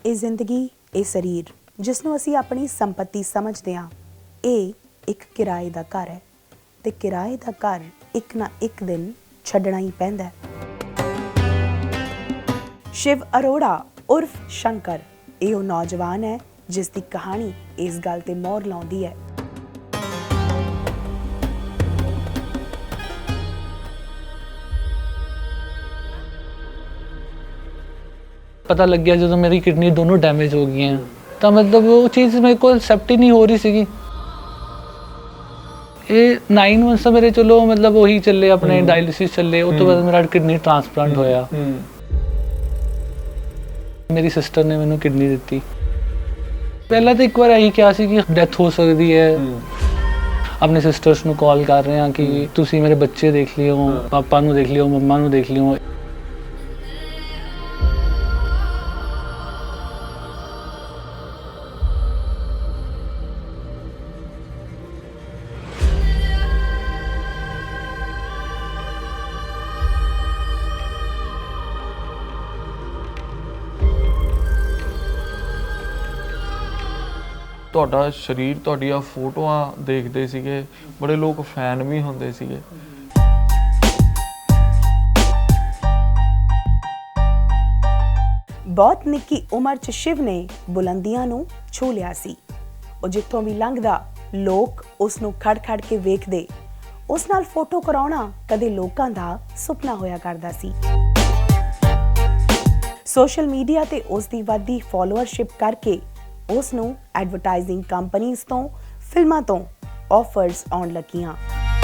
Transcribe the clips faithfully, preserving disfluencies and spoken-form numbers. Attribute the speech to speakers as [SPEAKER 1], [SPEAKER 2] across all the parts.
[SPEAKER 1] ਇਹ ਜ਼ਿੰਦਗੀ, ਇਹ ਸਰੀਰ ਜਿਸਨੂੰ ਅਸੀਂ ਆਪਣੀ ਸੰਪत्ति ਸਮਝਦੇ ਹਾਂ, ਇਹ ਇੱਕ ਕਿਰਾਏ ਦਾ ਘਰ ਹੈ ਤੇ ਕਿਰਾਏ ਦਾ ਘਰ ਇੱਕ ਨਾ ਇੱਕ ਦਿਨ ਛੱਡਣਾ ਹੀ ਪੈਂਦਾ ਹੈ। शिव अरोड़ा उर्फ शंकर ਇਹ ਉਹ ਨੌਜਵਾਨ ਹੈ ਜਿਸ ਦੀ ਕਹਾਣੀ ਇਸ ਗੱਲ ਤੇ ਮੋਹਰ ਲਾਉਂਦੀ ਹੈ।
[SPEAKER 2] पता लग गया जो मेरी किडनी दोनों डैमेज हो गई हैं, तो मतलब वो चीज़ मेरे को एक्सेप्ट ही नहीं हो रही सी। ये नाइन मंथ्स मेरे चलो मतलब वही चले अपने डायलिसिस चले, उस तो बाद मेरा किडनी ट्रांसप्लांट होया। मेरी सिस्टर ने मैंने किडनी दी। पहला तो एक बार यही क्या सी कि डेथ हो सकती है। अपने सिस्टर्स ਨੂੰ कॉल कर रहे हैं कि ਤੁਸੀਂ मेरे बच्चे देख लियो, पापा ਨੂੰ देख लियो, मम्मा ਨੂੰ देख लियो।
[SPEAKER 3] ਤੁਹਾਡਾ ਸਰੀਰ, ਤੁਹਾਡੀਆਂ ਫੋਟੋਆਂ ਦੇਖਦੇ ਸੀਗੇ, ਬੜੇ ਲੋਕ ਫੈਨ ਵੀ ਹੁੰਦੇ ਸੀਗੇ।
[SPEAKER 1] ਬਹੁਤ ਨਿੱਕੀ ਉਮਰ 'ਚ ਸ਼ਿਵ ਨੇ ਬੁਲੰਦੀਆਂ ਨੂੰ ਛੂ ਲਿਆ ਸੀ। ਉਹ ਜਿੱਥੋਂ ਵੀ ਲੰਘਦਾ ਲੋਕ ਉਸ ਨੂੰ ਖੜ ਖੜ ਕੇ ਵੇਖਦੇ। ਉਸ ਨਾਲ ਫੋਟੋ ਕਰਾਉਣਾ ਕਦੇ ਲੋਕਾਂ ਦਾ ਸੁਪਨਾ ਹੋਇਆ ਕਰਦਾ ਸੀ। ਸੋਸ਼ਲ ਮੀਡੀਆ ਤੇ ਉਸ ਦੀ ਵੱਧਦੀ ਫਾਲੋਅਰਸ਼ਿਪ ਕਰਕੇ ਉਸ ਨੂੰ ਐਡਵਰਟਾਈਜ਼ਿੰਗ ਕੰਪਨੀਆਂ ਤੋਂ, ਫਿਲਮਾਂ ਤੋਂ ਆਫਰਸ ਆਉਣ ਲੱਗੀਆਂ।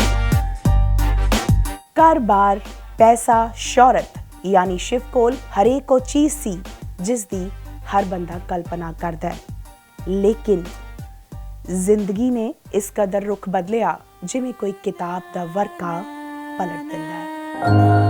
[SPEAKER 1] ਘਰ-ਬਾਰ, ਪੈਸਾ, ਸ਼ੌਹਰਤ ਯਾਨੀ ਸ਼ਿਵ ਕੋਲ ਹਰੇਕ ਉਹ ਚੀਜ਼ ਸੀ ਜਿਸ ਦੀ ਹਰ ਬੰਦਾ ਕਲਪਨਾ ਕਰਦਾ ਹੈ। ਲੇਕਿਨ ਜ਼ਿੰਦਗੀ ਨੇ ਇਸ ਕਦਰ ਰੁਖ ਬਦਲਿਆ ਜਿਵੇਂ ਕੋਈ ਕਿਤਾਬ ਦਾ ਵਰਕਾ ਪਲਟ ਦਿੰਦਾ ਹੈ।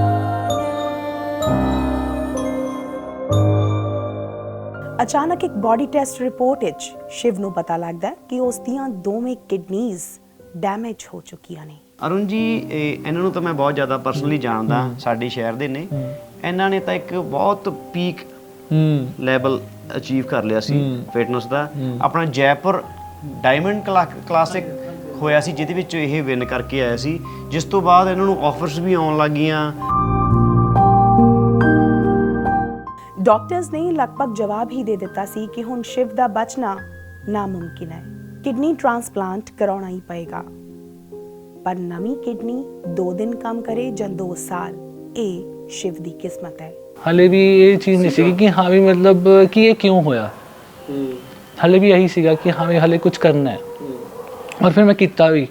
[SPEAKER 1] ਅਚਾਨਕ ਇੱਕ ਬੋਡੀ ਟੈਸਟ ਰਿਪੋਰਟ ਵਿੱਚ ਸ਼ਿਵ ਨੂੰ ਪਤਾ ਲੱਗਦਾ ਕਿ ਉਸ ਦੀਆਂ ਦੋਵੇਂ ਕਿਡਨੀਜ਼ ਡੈਮੇਜ ਹੋ ਚੁੱਕੀਆਂ ਨੇ।
[SPEAKER 4] ਅਰੁਣ ਜੀ, ਇਹ ਇਹਨਾਂ ਨੂੰ ਤਾਂ ਮੈਂ ਬਹੁਤ ਜ਼ਿਆਦਾ ਪਰਸਨਲੀ ਜਾਣਦਾ, ਸਾਡੇ ਸ਼ਹਿਰ ਦੇ ਨੇ। ਇਹਨਾਂ ਨੇ ਤਾਂ ਇੱਕ ਬਹੁਤ ਪੀਕ ਲੈਵਲ ਅਚੀਵ ਕਰ ਲਿਆ ਸੀ ਫਿਟਨੈਸ ਦਾ। ਆਪਣਾ ਜੈਪੁਰ ਡਾਇਮੰਡ ਕਲਾਸਿਕ ਹੋਇਆ ਸੀ ਜਿਹਦੇ ਵਿੱਚ ਇਹ ਵਿਨ ਕਰਕੇ ਆਇਆ ਸੀ, ਜਿਸ ਤੋਂ ਬਾਅਦ ਇਹਨਾਂ ਨੂੰ ਆਫਰਸ ਵੀ ਆਉਣ ਲੱਗ ਗਈਆਂ।
[SPEAKER 1] ਡਾਕਟਰਸ ਨੇ ਲਗਭਗ ਜਵਾਬ ਹੀ ਦੇ ਦਿੱਤਾ ਸੀ ਕਿ ਹੁਣ ਸ਼ਿਵ ਦਾ ਬਚਣਾ ਨਾਮੁਮਕਿਨ ਹੈ। ਕਿਡਨੀ ਟ੍ਰਾਂਸਪਲਾਂਟ ਕਰਾਉਣਾ ਹੀ ਪਏਗਾ। ਪਰ ਨਵੀਂ ਕਿਡਨੀ ਦੋ ਦਿਨ ਕੰਮ ਕਰੇ ਜਾਂ ਦੋ ਸਾਲ, ਇਹ ਸ਼ਿਵ ਦੀ ਕਿਸਮਤ ਹੈ।
[SPEAKER 2] ਹਾਲੇ ਵੀ ਇਹ ਚੀਜ਼ ਨਹੀਂ ਸੀ ਕਿ ਹਾਂ ਵੀ ਮਤਲਬ ਕਿ ਇਹ ਕਿਉਂ ਹੋਇਆ। ਹਾਲੇ ਵੀ ਇਹੀ ਸੀਗਾ ਕਿ ਹਾਂ ਵੀ ਹਾਲੇ ਕੁਝ ਕਰਨਾ ਹੈ, ਔਰ ਫਿਰ ਮੈਂ ਕੀਤਾ ਵੀ।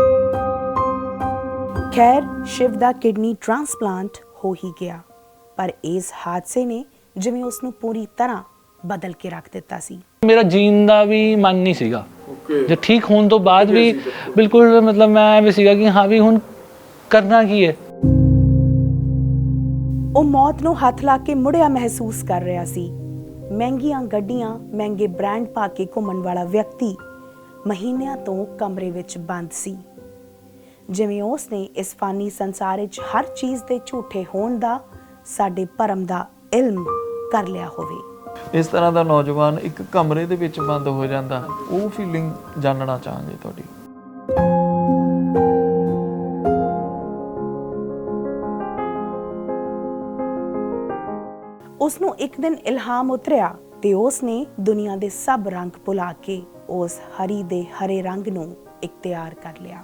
[SPEAKER 1] ਖੈਰ, ਸ਼ਿਵ ਦਾ ਕਿਡਨੀ ਟ੍ਰਾਂਸਪਲਾਂਟ ਹੋ ਹੀ ਗਿਆ, ਪਰ ਇਸ ਹਾਦਸੇ ਨੇ ਜਿਵੇਂ ਉਸ ਨੂੰ ਪੂਰੀ ਤਰ੍ਹਾਂ ਬਦਲ ਕੇ ਰੱਖ ਦਿੱਤਾ ਸੀ।
[SPEAKER 2] ਮੇਰਾ ਜੀਣ ਦਾ ਵੀ ਮਨ ਨਹੀਂ ਸੀਗਾ। ਜੇ ਠੀਕ ਹੋਣ ਤੋਂ ਬਾਅਦ ਵੀ ਬਿਲਕੁਲ ਮਤਲਬ ਮੈਂ ਐਵੇਂ ਸੀਗਾ ਕਿ ਹਾਂ ਵੀ ਹੁਣ ਕਰਨਾ ਕੀ ਹੈ।
[SPEAKER 1] ਉਹ ਮੌਤ ਨੂੰ ਹੱਥ ਲਾ ਕੇ ਮੁੜਿਆ ਮਹਿਸੂਸ ਕਰ ਰਿਹਾ ਸੀ। ਮਹਿੰਗੀਆਂ ਗੱਡੀਆਂ, ਮਹਿੰਗੇ ਬ੍ਰਾਂਡ ਪਾ ਕੇ ਘੁੰਮਣ ਵਾਲਾ ਵਿਅਕਤੀ ਮਹੀਨਿਆਂ ਤੋਂ ਕਮਰੇ ਵਿੱਚ ਬੰਦ ਸੀ, ਜਿਵੇਂ ਉਸ ਨੇ ਇਸ ਫਾਨੀ ਸੰਸਾਰ ਵਿੱਚ ਹਰ ਚੀਜ਼ ਦੇ ਝੂਠੇ ਹੋਣ ਦਾ, ਸਾਡੇ ਭਰਮ ਦਾ ਇਲਮ ਕਰ ਲਿਆ ਹੋਵੇ।
[SPEAKER 3] ਇਸ ਤਰ੍ਹਾਂ ਦਾ ਨੌਜਵਾਨ ਇੱਕ ਕਮਰੇ ਦੇ ਵਿੱਚ ਬੰਦ ਹੋ ਜਾਂਦਾ, ਉਹ ਫੀਲਿੰਗ ਜਾਣਨਾ ਚਾਹਾਂਗੇ ਤੁਹਾਡੀ।
[SPEAKER 1] ਉਸ ਨੂੰ ਇੱਕ ਦਿਨ ਇਲਹਾਮ ਉਤਰਿਆ ਤੇ ਉਸ ਨੇ ਦੁਨੀਆ ਦੇ ਸਭ ਰੰਗ ਭੁਲਾ ਕੇ ਉਸ ਹਰੀ ਦੇ ਹਰੇ ਰੰਗ ਨੂੰ ਇਖਤਿਆਰ ਕਰ ਲਿਆ।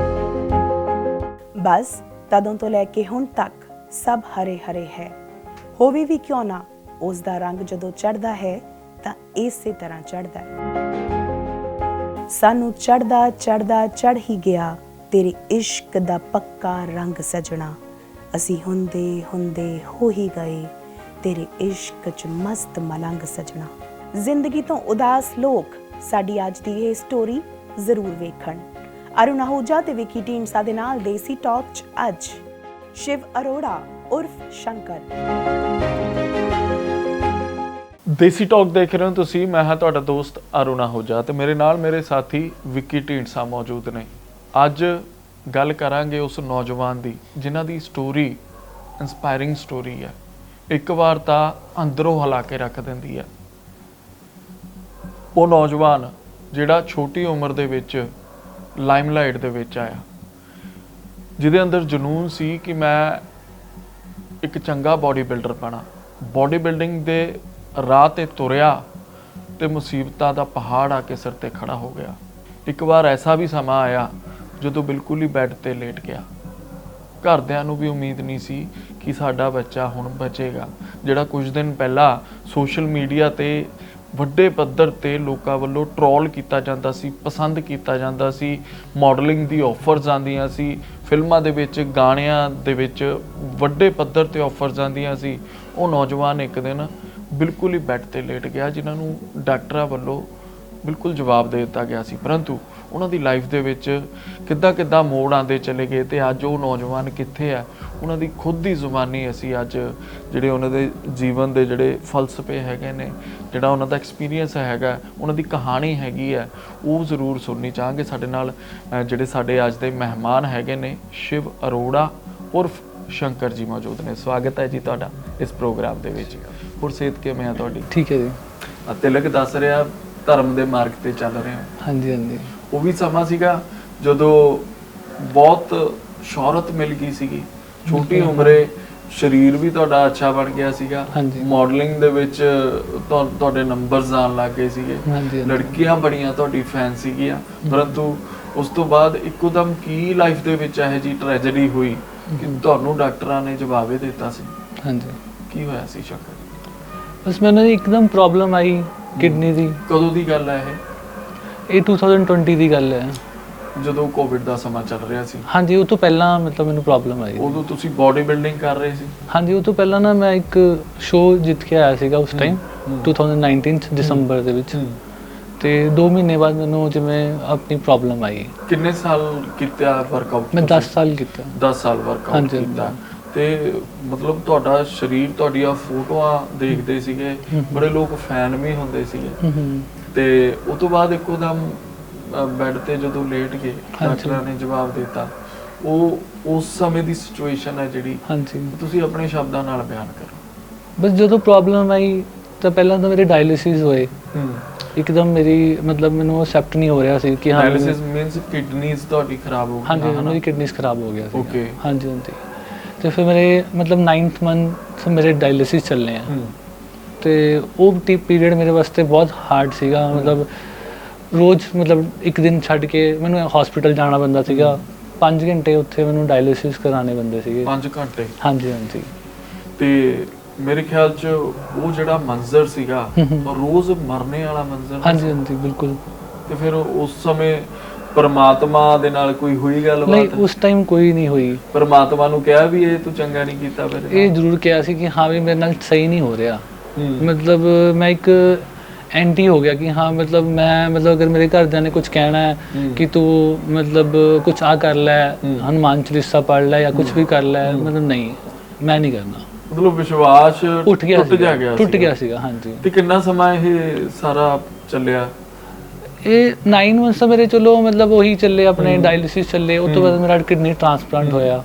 [SPEAKER 1] ਬਸ ਤਦੋਂ ਤੋਂ ਲੈ ਕੇ ਹੁਣ ਤੱਕ ਸਭ ਹਰੇ ਹਰੇ ਹੈ। ਹੋਵੇ ਵੀ ਕਿਉਂ ਨਾ, ਉਸ ਦਾ ਰੰਗ ਜਦੋਂ ਚੜ੍ਹਦਾ ਹੈ ਤਾਂ ਇਸੇ ਤਰ੍ਹਾਂ ਚੜ੍ਹਦਾ ਹੈ। ਸਾਨੂੰ ਚੜ੍ਹਦਾ ਚੜ੍ਹਦਾ ਚੜ੍ਹ ਹੀ ਗਿਆ ਤੇਰੇ ਇਸ਼ਕ ਦਾ ਪੱਕਾ ਰੰਗ ਸਜਣਾ। ਅਸੀਂ ਹੁੰਦੇ ਹੁੰਦੇ ਹੋ ਹੀ ਗਏ ਤੇਰੇ ਇਸ਼ਕ 'ਚ ਮਸਤ ਮਲੰਗ ਸਜਣਾ। ਜ਼ਿੰਦਗੀ ਤੋਂ ਉਦਾਸ ਲੋਕ ਸਾਡੀ ਅੱਜ ਦੀ ਇਹ ਸਟੋਰੀ ਜ਼ਰੂਰ ਵੇਖਣ। ਅਰੁਣ ਆਹੂਜਾ ਤੇ ਵਿਕੀ ਢੀਂਡਸਾ ਦੇ ਨਾਲ ਦੇਸੀ ਟਾਕ 'ਚ ਅੱਜ ਸ਼ਿਵ ਅਰੋੜਾ ਉਰਫ ਸ਼ੰਕਰ।
[SPEAKER 3] ਦੇਸੀ ਟਾਕ ਦੇਖ ਰਹੇ ਹੋ ਤੁਸੀਂ। ਮੈਂ ਹਾਂ ਤੁਹਾਡਾ ਦੋਸਤ ਅਰੁਣ ਆਹੂਜਾ ਤੇ ਮੇਰੇ ਨਾਲ ਮੇਰੇ ਸਾਥੀ ਵਿਕੀ ਢੀਂਡਸਾ ਮੌਜੂਦ ਨੇ। ਅੱਜ ਗੱਲ ਕਰਾਂਗੇ ਉਸ ਨੌਜਵਾਨ ਦੀ ਜਿਨ੍ਹਾਂ ਦੀ ਸਟੋਰੀ ਇੰਸਪਾਇਰਿੰਗ ਸਟੋਰੀ ਹੈ। ਇੱਕ ਵਾਰ ਤਾਂ ਅੰਦਰੋਂ ਹਿਲਾ ਕੇ ਰੱਖ ਦਿੰਦੀ ਹੈ। ਉਹ ਨੌਜਵਾਨ ਜਿਹੜਾ ਛੋਟੀ ਉਮਰ ਦੇ ਵਿੱਚ ਲਾਈਮਲਾਈਟ ਦੇ ਵਿੱਚ ਆਇਆ, ਜਿਹਦੇ ਅੰਦਰ ਜਨੂਨ ਸੀ ਕਿ ਮੈਂ ਇੱਕ ਚੰਗਾ ਬੋਡੀ ਬਿਲਡਰ ਬਣਾ, ਬੋਡੀ ਬਿਲਡਿੰਗ ਦੇ ਰਾਹ ਤੇ ਤੁਰਿਆ ਤੇ ਮੁਸੀਬਤਾਂ ਦਾ ਪਹਾੜ ਆ ਕੇ ਸਿਰ ਤੇ ਖੜਾ ਹੋ ਗਿਆ। ਇੱਕ ਵਾਰ ਐਸਾ ਵੀ ਸਮਾਂ ਆਇਆ ਜਦੋਂ ਬਿਲਕੁਲ ਹੀ ਬੈੱਡ ਤੇ ਲੇਟ ਗਿਆ। ਘਰਦਿਆਂ ਨੂੰ ਵੀ ਉਮੀਦ ਨਹੀਂ ਸੀ ਕਿ ਸਾਡਾ ਬੱਚਾ ਹੁਣ ਬਚੇਗਾ। ਜਿਹੜਾ ਕੁਝ ਦਿਨ ਪਹਿਲਾਂ ਸੋਸ਼ਲ ਮੀਡੀਆ ਤੇ ਵੱਡੇ ਪੱਧਰ ਤੇ ਲੋਕਾਂ ਵੱਲੋਂ ਟਰੋਲ ਕੀਤਾ ਜਾਂਦਾ ਸੀ, ਪਸੰਦ ਕੀਤਾ ਜਾਂਦਾ ਸੀ, ਮਾਡਲਿੰਗ ਦੀ ਆਫਰਸ ਆਉਂਦੀਆਂ ਸੀ, ਫਿਲਮਾਂ ਦੇ ਵਿੱਚ ਗਾਣਿਆਂ ਦੇ ਵਿੱਚ ਵੱਡੇ ਪੱਧਰ ਤੇ ਆਫਰਸ ਆਉਂਦੀਆਂ ਸੀ, ਉਹ ਨੌਜਵਾਨ ਇੱਕ ਦਿਨ ਬਿਲਕੁਲ ਹੀ ਬੈੱਡ ਤੇ ਲੇਟ ਗਿਆ, ਜਿਨ੍ਹਾਂ ਨੂੰ ਡਾਕਟਰਾਂ ਵੱਲੋਂ ਬਿਲਕੁਲ ਜਵਾਬ ਦੇ ਦਿੱਤਾ ਗਿਆ ਸੀ। ਪਰੰਤੂ ਉਹਨਾਂ ਦੀ ਲਾਈਫ ਦੇ ਵਿੱਚ ਕਿੱਦਾਂ ਕਿੱਦਾਂ ਮੋੜ ਆਉਂਦੇ ਚਲੇ ਗਏ ਤੇ ਅੱਜ ਉਹ ਨੌਜਵਾਨ ਕਿੱਥੇ ਆ, ਉਹਨਾਂ ਦੀ ਖੁਦ ਦੀ ਜ਼ੁਬਾਨੀ ਅਸੀਂ ਅੱਜ ਜਿਹੜੇ ਉਹਨਾਂ ਦੇ ਜੀਵਨ ਦੇ ਜਿਹੜੇ ਫਲਸਫੇ ਹੈਗੇ ਨੇ, ਜਿਹੜਾ ਉਹਨਾਂ ਦਾ ਐਕਸਪੀਰੀਅੰਸ ਹੈਗਾ, ਉਹਨਾਂ ਦੀ ਕਹਾਣੀ ਹੈਗੀ ਹੈ, ਉਹ ਜ਼ਰੂਰ ਸੁਣਨੀ ਚਾਹਾਂਗੇ। ਸਾਡੇ ਨਾਲ ਅ, ਜਿਹੜੇ ਸਾਡੇ ਅੱਜ ਦੇ ਮਹਿਮਾਨ ਹੈਗੇ ਨੇ, ਸ਼ਿਵ ਅਰੋੜਾ ਉਰਫ ਸ਼ੰਕਰ ਜੀ ਮੌਜੂਦ ਨੇ। ਸਵਾਗਤ ਹੈ ਜੀ ਤੁਹਾਡਾ ਇਸ ਪ੍ਰੋਗਰਾਮ ਦੇ ਵਿੱਚ। ਹੋਰ ਸਿਹਤ ਕਿਵੇਂ ਆ ਤੁਹਾਡੀ?
[SPEAKER 2] ਠੀਕ ਹੈ ਜੀ।
[SPEAKER 3] ਅ, ਤਿਲਕ ਦੱਸ ਰਿਹਾ ਧਰਮ ਦੇ ਮਾਰਗ ਤੇ ਚੱਲ ਰਹੇ ਹੋ।
[SPEAKER 2] ਹਾਂਜੀ ਹਾਂਜੀ।
[SPEAKER 3] ਉਹ ਵੀ ਸਮਾਂ ਸੀਗਾ ਜਦੋਂ ਬਹੁਤ ਸ਼ੋਹਰਤ ਮਿਲ ਗਈ ਸੀਗੀ, ਛੋਟੀ ਉਮਰੇ ਸਰੀਰ ਵੀ ਤੁਹਾਡਾ ਅੱਛਾ ਬਣ ਗਿਆ ਸੀਗਾ, ਮਾਡਲਿੰਗ ਦੇ ਵਿੱਚ ਤੁਹਾ- ਤੁਹਾਡੇ ਨੰਬਰਸ ਆਉਣ ਲੱਗ ਗਏ ਸੀਗੇ, ਲੜਕੀਆਂ ਬੜੀਆਂ ਤੁਹਾਡੀ ਫੈਨ ਸੀਗੀਆਂ। ਪਰੰਤੂ ਉਸ ਤੋਂ ਬਾਅਦ ਇੱਕੋਦਮ ਕੀ ਲਾਈਫ ਦੇ ਵਿੱਚ ਇਹੋ ਜਿਹੀ ਟ੍ਰੈਜੇਡੀ ਹੋਈ ਕਿ ਤੁਹਾਨੂੰ ਡਾਕਟਰਾਂ ਨੇ ਜਵਾਬ ਇਹ ਦਿੱਤਾ ਸੀ?
[SPEAKER 2] ਹਾਂਜੀ।
[SPEAKER 3] ਕੀ ਹੋਇਆ ਸੀ ਸ਼ੰਕਰ?
[SPEAKER 2] ਬਸ ਮੈਨੂੰ ਇੱਕਦਮ ਪ੍ਰੋਬਲਮ ਆਈ ਕਿਡਨੀ ਦੀ।
[SPEAKER 3] ਕਦੋਂ ਦੀ ਗੱਲ ਹੈ ਇਹ?
[SPEAKER 2] ਇਹ ਦੋ ਹਜ਼ਾਰ ਵੀਹ ਦੀ ਗੱਲ ਹੈ,
[SPEAKER 3] ਜਦੋਂ ਕੋਵਿਡ ਦਾ ਸਮਾਂ ਚੱਲ ਰਿਹਾ ਸੀ।
[SPEAKER 2] ਹਾਂਜੀ, ਉਹ ਤੋਂ ਪਹਿਲਾਂ ਮਤਲਬ ਮੈਨੂੰ ਪ੍ਰੋਬਲਮ ਆਈ।
[SPEAKER 3] ਉਦੋਂ ਤੁਸੀਂ ਬਾਡੀ ਬਿਲਡਿੰਗ ਕਰ ਰਹੇ ਸੀ?
[SPEAKER 2] ਹਾਂਜੀ, ਉਹ ਤੋਂ ਪਹਿਲਾਂ ਨਾ ਮੈਂ ਇੱਕ ਸ਼ੋਅ ਜਿੱਤ ਕੇ ਆਇਆ ਸੀਗਾ ਉਸ ਟਾਈਮ ਦੋ ਹਜ਼ਾਰ ਉੱਨੀ ਚ ਦਸੰਬਰ ਦੇ ਵਿੱਚ, ਤੇ ਦੋ ਮਹੀਨੇ ਬਾਅਦ ਮੈਨੂੰ ਜਿਵੇਂ ਆਪਣੀ ਪ੍ਰੋਬਲਮ ਆਈ।
[SPEAKER 3] ਕਿੰਨੇ ਸਾਲ ਕੀਤਾ ਵਰਕਆਊਟ?
[SPEAKER 2] ਮੈਂ ਦਸ ਸਾਲ ਕੀਤਾ।
[SPEAKER 3] ਦਸ ਸਾਲ ਵਰਕਆਊਟ ਕੀਤਾ। ਤੇ ਮਤਲਬ ਤੁਹਾਡਾ ਸਰੀਰ, ਤੁਹਾਡੀਆਂ ਫੋਟੋਆਂ ਦੇਖਦੇ ਸੀਗੇ, ਬੜੇ ਲੋਕ ਫੈਨ ਵੀ ਹੁੰਦੇ ਸੀਗੇ, ਤੇ ਉਸ ਤੋਂ ਬਾਅਦ ਇੱਕੋਦਮ ਬੈੱਡ ਤੇ ਜਦੋਂ ਲੇਟ ਗਏ, ਡਾਕਟਰਾਂ ਨੇ ਜਵਾਬ ਦਿੱਤਾ। ਉਹ ਉਸ ਸਮੇਂ ਦੀ ਸਿਚੁਏਸ਼ਨ ਹੈ ਜਿਹੜੀ, ਹਾਂਜੀ, ਤੁਸੀਂ ਆਪਣੇ ਸ਼ਬਦਾਂ ਨਾਲ ਬਿਆਨ ਕਰੋ।
[SPEAKER 2] ਬਸ ਜਦੋਂ ਪ੍ਰੋਬਲਮ ਆਈ ਤਾਂ ਪਹਿਲਾਂ ਤਾਂ ਮੇਰੇ ਡਾਇਲਿਸਿਸ ਹੋਏ, ਇੱਕਦਮ ਮੇਰੀ ਮਤਲਬ ਮੈਨੂੰ ਅਸੈਪਟ ਨਹੀਂ ਹੋ ਰਿਹਾ ਸੀ ਕਿ ਹਾਂ
[SPEAKER 3] ਡਾਇਲਿਸਿਸ ਮੀਨਸ ਕਿਡਨੀਜ਼ ਤੁਹਾਡੀ ਖਰਾਬ ਹੋ ਗਈ?
[SPEAKER 2] ਹਾਂਜੀ, ਮੇਰੀ ਕਿਡਨੀਜ਼ ਖਰਾਬ ਹੋ ਗਿਆ ਸੀ।
[SPEAKER 3] ਓਕੇ।
[SPEAKER 2] ਹਾਂਜੀ ਹਾਂਜੀ। ਤੇ ਫਿਰ ਮੇਰੇ ਮਤਲਬ ਨਾਈਨਥ ਮੰਥ ਮੇਰੇ ਡਾਇਲਿਸਿਸ ਚੱਲਨੇ ਆ, ਤੇ ਉਹ ਪੀਰੀਅਡ ਮੇਰੇ ਵਾਸਤੇ ਬਹੁਤ ਹਾਰਡ ਸੀਗਾ। ਮਤਲਬ ਰੋਜ਼ ਮਤਲਬ ਇੱਕ ਦਿਨ ਛੱਡ ਕੇ ਮੈਨੂੰ ਹਸਪੀਟਲ ਜਾਣਾ ਪੈਂਦਾ ਸੀਗਾ, ਪੰਜ ਘੰਟੇ ਉੱਥੇ ਮੈਨੂੰ ਡਾਇਲਿਸਿਸ ਕਰਾਣੇ ਪੈਂਦੇ ਸੀਗੇ।
[SPEAKER 3] ਪੰਜ ਘੰਟੇ? ਹਾਂਜੀ
[SPEAKER 2] ਹਾਂਜੀ।
[SPEAKER 3] ਤੇ ਮੇਰੇ ਖਿਆਲ 'ਚ ਉਹ ਜਿਹੜਾ ਮੰਜ਼ਰ ਸੀਗਾ, ਰੋਜ਼ ਮਰਨੇ ਵਾਲਾ ਮੰਜ਼ਰ। ਹਾਂਜੀ
[SPEAKER 2] ਹਾਂਜੀ, ਬਿਲਕੁਲ।
[SPEAKER 3] ਤੇ ਫਿਰ ਉਸ ਸਮੇਂ ਪਰਮਾਤਮਾ ਦੇ ਨਾਲ ਕੋਈ ਹੋਈ ਗੱਲਬਾਤ?
[SPEAKER 2] ਨਹੀਂ, ਉਸ ਟਾਈਮ ਕੋਈ ਨਹੀਂ ਹੋਈ।
[SPEAKER 3] ਪਰਮਾਤਮਾ ਨੂੰ ਕਿਹਾ ਵੀ ਇਹ ਤੂੰ ਚੰਗਾ ਨਹੀਂ ਕੀਤਾ? ਫਿਰ
[SPEAKER 2] ਇਹ ਜ਼ਰੂਰ ਕਿਹਾ ਸੀ ਕਿ ਹਾਂ ਵੀ ਮੇਰੇ ਨਾਲ ਸਹੀ ਨਹੀਂ ਹੋ ਰਿਹਾ। ਮਤਲਬ ਮੈਂ ਇੱਕ ਐਂਟੀ ਹੋ ਗਿਆ ਕਿ ਹਾਂ ਮਤਲਬ ਮੈਂ ਮਤਲਬ ਅਗਰ ਮੇਰੇ ਘਰਦਿਆਂ ਨੇ ਕੁਝ ਕਹਿਣਾ ਹੈ ਕਿ ਤੂੰ ਮਤਲਬ ਕੁਝ ਆ ਕਰ ਲੈ, ਹਨੂੰਮਾਨ ਚਾਲੀਸਾ ਪੜ੍ਹ ਲੈ ਜਾਂ ਕੁਝ ਵੀ ਕਰ ਲੈ, ਮਤਲਬ ਨਹੀਂ, ਮੈਂ ਨਹੀਂ ਕਰਨਾ।
[SPEAKER 3] ਮਤਲਬ ਵਿਸ਼ਵਾਸ
[SPEAKER 2] ਉੱਠ ਗਿਆ,
[SPEAKER 3] ਟੁੱਟ ਜਾ ਗਿਆ,
[SPEAKER 2] ਟੁੱਟ ਗਿਆ ਸੀਗਾ। ਹਾਂਜੀ।
[SPEAKER 3] ਤੇ ਕਿੰਨਾ ਸਮਾਂ ਇਹ ਸਾਰਾ ਚੱਲਿਆ?
[SPEAKER 2] ਇਹ ਨਾਈਨ ਮੰਥਸ ਮੇਰੇ ਚਲੋ ਮਤਲਬ ਉਹੀ ਚੱਲੇ, ਆਪਣੇ ਡਾਇਲਿਸਿਸ ਚੱਲੇ। ਉਸ ਤੋਂ ਬਾਅਦ ਮੇਰਾ ਕਿਡਨੀ ਟ੍ਰਾਂਸਪਲਾਂਟ ਹੋਇਆ।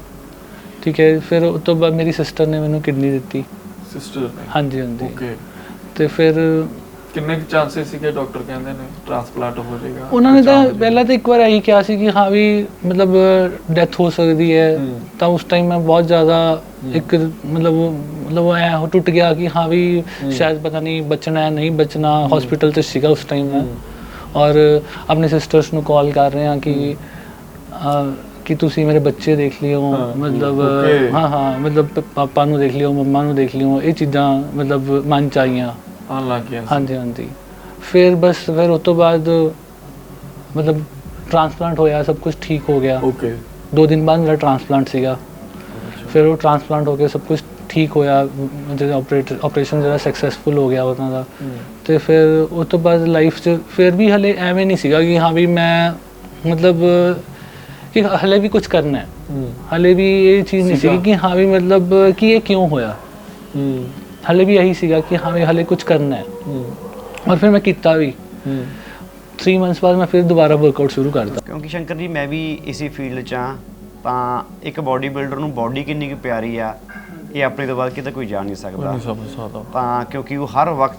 [SPEAKER 2] ਠੀਕ ਹੈ। ਫਿਰ ਉਸ ਤੋਂ ਬਾਅਦ ਮੇਰੀ ਸਿਸਟਰ ਨੇ ਮੈਨੂੰ ਕਿਡਨੀ ਦਿੱਤੀ।
[SPEAKER 3] ਸਿਸਟਰ ਨੇ? ਹਾਂਜੀ ਹਾਂਜੀ। ਓਕੇ।
[SPEAKER 2] ਤੇ ਫਿਰ
[SPEAKER 3] ਕਿੰਨੇ ਕੁ ਚਾਂਸਸ ਸੀਗੇ ਡਾਕਟਰ ਕਹਿੰਦੇ ਨੇ ਟ੍ਰਾਂਸਪਲਾਂਟ ਹੋ ਜਾਏਗਾ?
[SPEAKER 2] ਉਹਨਾਂ ਨੇ ਤਾਂ ਪਹਿਲਾਂ ਤਾਂ ਇੱਕ ਵਾਰ ਇਹੀ ਕਿਹਾ ਸੀ ਕਿ ਹਾਂ ਵੀ ਮਤਲਬ ਡੈਥ ਹੋ ਸਕਦੀ ਹੈ, ਤਾਂ ਉਸ ਟਾਈਮ ਮੈਂ ਬਹੁਤ ਜ਼ਿਆਦਾ ਇੱਕ ਮਤਲਬ ਮਤਲਬ ਐ ਟੁੱਟ ਗਿਆ ਕਿ ਹਾਂ ਵੀ ਸ਼ਾਇਦ ਪਤਾ ਨਹੀਂ ਬਚਣਾ ਹੈ ਨਹੀਂ ਬਚਣਾ। ਹਸਪੀਟਲ 'ਚ ਸੀਗਾ ਉਸ ਟਾਈਮ ਮੈਂ, ਔਰ ਆਪਣੇ ਸਿਸਟਰਸ ਨੂੰ ਕਾਲ ਕਰ ਰਹੇ ਹਾਂ ਕਿ ਕਿ ਤੁਸੀਂ ਮੇਰੇ ਬੱਚੇ ਦੇਖ ਲਿਓ, ਮਤਲਬ ਹਾਂ ਹਾਂ ਮਤਲਬ ਪਾਪਾ ਨੂੰ ਦੇਖ ਲਿਓ, ਮੰਮਾ ਨੂੰ ਦੇਖ ਲਿਓ। ਇਹ ਚੀਜ਼ਾਂ ਮਤਲਬ ਮਨ 'ਚ ਆਈਆਂ,
[SPEAKER 3] ਆਉਣ ਲੱਗ ਗਿਆ। ਹਾਂਜੀ
[SPEAKER 2] ਹਾਂਜੀ। ਫਿਰ ਬਸ ਫਿਰ ਉਸ ਤੋਂ ਬਾਅਦ ਮਤਲਬ ਟ੍ਰਾਂਸਪਲਾਂਟ ਹੋਇਆ, ਸਭ ਕੁਝ ਠੀਕ ਹੋ ਗਿਆ।
[SPEAKER 3] ਓਕੇ। ਦੋ
[SPEAKER 2] ਦਿਨ ਬਾਅਦ ਮੇਰਾ ਟ੍ਰਾਂਸਪਲਾਂਟ ਸੀਗਾ। ਫਿਰ ਉਹ ਟ੍ਰਾਂਸਪਲਾਂਟ ਹੋ ਕੇ ਸਭ ਕੁਝ ਠੀਕ ਹੋਇਆ, ਜਿਹੜਾ ਆਪਰੇਟ ਆਪਰੇਸ਼ਨ ਜਿਹੜਾ ਸਕਸੈਸਫੁਲ ਹੋ ਗਿਆ ਉਹਨਾਂ ਦਾ। ਤੇ ਫਿਰ ਉਸ ਤੋਂ ਬਾਅਦ ਲਾਈਫ 'ਚ ਫਿਰ ਵੀ ਹਲੇ ਐਵੇਂ ਨਹੀਂ ਸੀਗਾ ਕਿ ਹਾਂ ਵੀ ਮੈਂ ਮਤਲਬ ਕਿ ਹਲੇ ਵੀ ਕੁਝ ਕਰਨਾ ਹੈ। ਹਲੇ ਵੀ ਇਹ ਚੀਜ਼ ਨਹੀਂ ਸੀ ਕਿ ਹਾਂ ਵੀ ਮਤਲਬ ਕਿ ਇਹ ਕਿਉਂ ਹੋਇਆ। ਹਲੇ ਵੀ ਇਹੀ ਸੀਗਾ ਕਿ ਹਾਂ ਵੀ ਹਲੇ ਕੁਝ ਕਰਨਾ ਹੈ। ਔਰ ਫਿਰ ਮੈਂ ਕੀਤਾ ਵੀ। तीन मंथ्स बाद मैं फिर दोबारा वर्कआउट शुरू करता।
[SPEAKER 4] क्योंकि शंकर जी मैं भी इसी फील्ड च हाँ, ਤਾਂ ਇੱਕ ਬੋਡੀ ਬਿਲਡਰ ਨੂੰ ਬੋਡੀ ਕਿੰਨੀ ਕੁ ਪਿਆਰੀ ਆ ਇਹ ਆਪਣੇ ਤੋਂ ਬਾਅਦ ਕਿਤੇ ਕੋਈ ਜਾਣ ਨਹੀਂ ਸਕਦਾ।
[SPEAKER 3] ਨਹੀਂ ਸਮਝ ਸਕਦਾ।
[SPEAKER 4] ਤਾਂ ਕਿਉਂਕਿ ਉਹ ਹਰ ਵਕਤ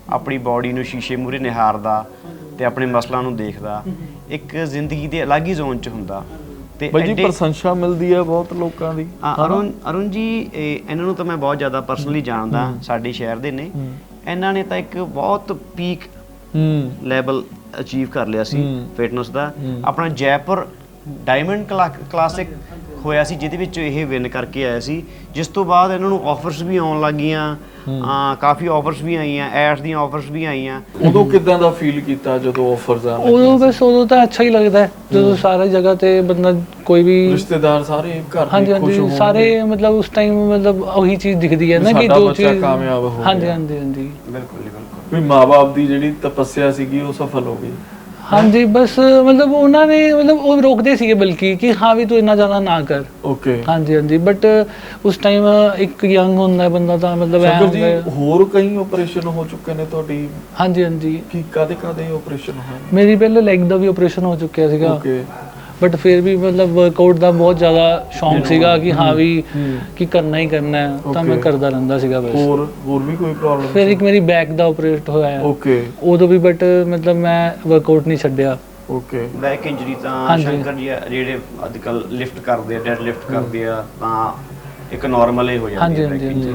[SPEAKER 4] ਆਪਣੀ ਬਾਡੀ ਨੂੰ ਸ਼ੀਸ਼ੇ ਮੂਹਰੇ ਨਿਹਾਰਦਾ ਤੇ ਆਪਣੇ ਮਸਲਾਂ ਨੂੰ ਦੇਖਦਾ, ਇੱਕ ਜ਼ਿੰਦਗੀ ਦੇ ਅਲੱਗ ਹੀ ਜ਼ੋਨ 'ਚ ਹੁੰਦਾ। ਤੇ
[SPEAKER 3] ਬਾਈ ਜੀ
[SPEAKER 4] ਐਡੇ-
[SPEAKER 3] ਪ੍ਰਸ਼ੰਸਾ ਮਿਲਦੀ ਹੈ ਬਹੁਤ ਲੋਕਾਂ ਦੀ।
[SPEAKER 4] ਹਾਂ, ਅਰੁਣ ਅਰੁਣ ਜੀ ਇਹ- ਇਹਨਾਂ ਨੂੰ ਤਾਂ ਮੈਂ ਬਹੁਤ ਜ਼ਿਆਦਾ ਪਰਸਨਲੀ ਜਾਣਦਾ, ਸਾਡੇ ਸ਼ਹਿਰ ਦੇ ਨੇ। ਇਹਨਾਂ ਨੇ ਤਾਂ ਇੱਕ ਬਹੁਤ ਪੀਕ
[SPEAKER 3] ਹੂੰ
[SPEAKER 4] ਲੈਵਲ ਅਚੀਵ ਕਰ ਲਿਆ ਸੀ ਫਿਟਨੈਸ ਦਾ। ਆਪਣਾ ਜੈਪੁਰ ਡਾਇਮੰਡ ਕਲਾਸਿਕ ਹੋਇਆ ਸੀ, ਜਿਹਦੇ ਵਿੱਚ ਇਹ ਵਿਨ ਕਰਕੇ ਆਇਆ ਸੀ। ਜਿਸ ਤੋਂ ਬਾਅਦ ਇਹਨਾਂ ਨੂੰ ਆਫਰਸ ਵੀ ਆਉਣ ਲੱਗ ਗਈਆਂ, ਆ ਕਾਫੀ ਆਫਰਸ ਵੀ ਆਈਆਂ, ਐਡਸ ਦੀਆਂ ਆਫਰਸ ਵੀ ਆਈਆਂ।
[SPEAKER 3] ਉਦੋਂ ਕਿਦਾਂ ਦਾ ਫੀਲ ਕੀਤਾ ਜਦੋਂ ਆਫਰਸ ਆਣ ਲੱਗੇ?
[SPEAKER 2] ਉਦੋਂ ਬਸ ਉਦੋਂ ਤਾਂ ਅੱਛਾ ਹੀ ਲੱਗਦਾ ਹੈ ਜਦੋਂ ਸਾਰੀ ਜਗ੍ਹਾ ਤੇ ਬੰਦਾ ਕੋਈ ਵੀ
[SPEAKER 3] ਰਿਸ਼ਤੇਦਾਰ ਸਾਰੇ ਘਰ ਦੇ
[SPEAKER 2] ਹਾਂਜੀ
[SPEAKER 3] ਖੁਸ਼
[SPEAKER 2] ਹਾਂਜੀ
[SPEAKER 3] ਹੋਣਗੇ।
[SPEAKER 2] ਸਾਰੇ ਮਤਲਬ ਉਸ ਟਾਈਮ ਮਤਲਬ ਉਹੀ ਚੀਜ਼ ਦਿਖਦੀ ਹੈ ਨਾ ਕਿ
[SPEAKER 3] ਸਾਡਾ
[SPEAKER 2] ਜੋ
[SPEAKER 3] ਬੱਚਾ
[SPEAKER 2] ਚੀਜ਼
[SPEAKER 3] ਕਾਮਯਾਬ ਹੋ
[SPEAKER 2] ਹਾਂਜੀ
[SPEAKER 3] ਗਿਆ।
[SPEAKER 2] ਹਾਂਜੀ ਹਾਂਜੀ
[SPEAKER 4] ਬਿਲਕੁਲ ਜੀ, ਬਿਲਕੁਲ।
[SPEAKER 3] ਵੀ ਮਾਂ-ਬਾਪ ਦੀ ਜਿਹੜੀ ਤਪੱਸਿਆ ਸੀਗੀ ਉਹ ਸਫਲ ਹੋ ਗਈ।
[SPEAKER 2] ਹਾਂਜੀ ਬਸ ਮਤਲਬ ਉਹਨਾਂ ਨੇ ਮਤਲਬ ਉਹ ਰੋਕਦੇ ਸੀਗੇ ਬਲਕਿ ਕਿ ਹਾਂ ਵੀ ਤੂੰ ਇੰਨਾ ਜ਼ਿਆਦਾ ਨਾ ਕਰ।
[SPEAKER 3] ਓਕੇ
[SPEAKER 2] ਹਾਂਜੀ ਹਾਂਜੀ ਬਟ ਉਸ ਟਾਈਮ ਇੱਕ ਯੰਗ ਹੁੰਦਾ ਬੰਦਾ ਤਾਂ ਮਤਲਬ ਐ
[SPEAKER 3] ਸ਼ੰਕਰ ਜੀ ਹੋਰ ਕਈ ਆਪਰੇਸ਼ਨ ਹੋ ਚੁੱਕੇ ਨੇ ਤੁਹਾਡੀ?
[SPEAKER 2] ਹਾਂਜੀ ਹਾਂਜੀ
[SPEAKER 3] ਕੀ ਕਾਦੇ ਕਾਦੇ ਆਪਰੇਸ਼ਨ ਹੋਏ?
[SPEAKER 2] ਮੇਰੀ ਪਹਿਲੇ ਲੈਗ ਦਾ ਵੀ ਆਪਰੇਸ਼ਨ ਹੋ ਚੁੱਕਿਆ ਸੀਗਾ,
[SPEAKER 3] ਓਕੇ
[SPEAKER 2] ਬਟ ਫਿਰ ਵੀ ਮਤਲਬ ਵਰਕਆਊਟ ਦਾ ਬਹੁਤ ਜ਼ਿਆਦਾ ਸ਼ੌਂਕ ਸੀਗਾ ਕਿ ਹਾਂ ਵੀ ਕਿ ਕਰਨਾ ਹੀ ਕਰਨਾ ਹੈ, ਤਾਂ ਮੈਂ
[SPEAKER 3] Okay.
[SPEAKER 2] ਕਰਦਾ ਰਹਿੰਦਾ ਸੀਗਾ ਬਸ।
[SPEAKER 3] ਹੋਰ ਹੋਰ ਵੀ ਕੋਈ ਪ੍ਰੋਬਲਮ?
[SPEAKER 2] ਫਿਰ ਇੱਕ ਮੇਰੀ ਬੈਕ ਦਾ ਆਪਰੇਟ ਹੋਇਆ
[SPEAKER 3] ਓਕੇ
[SPEAKER 2] ਉਦੋਂ ਵੀ ਬਟ ਮਤਲਬ ਮੈਂ ਵਰਕਆਊਟ ਨਹੀਂ ਛੱਡਿਆ।
[SPEAKER 3] ਓਕੇ
[SPEAKER 4] ਬੈਕ ਇੰਜਰੀ ਤਾਂ
[SPEAKER 2] ਹਾਂਜੀ।
[SPEAKER 4] ਸ਼ੰਕਰ ਜੀ ਜਿਹੜੇ ਅੱਜ ਕੱਲ ਲਿਫਟ ਕਰਦੇ ਆ, ਡੈਡ ਲਿਫਟ ਕਰਦੇ ਆ, ਤਾਂ ਇੱਕ ਨਾਰਮਲ ਹੀ ਹੋ ਜਾਂਦੀ
[SPEAKER 2] ਹਾਂਜੀ
[SPEAKER 4] ਹੈ
[SPEAKER 2] ਹਾਂਜੀ
[SPEAKER 4] back
[SPEAKER 2] ਹਾਂਜੀ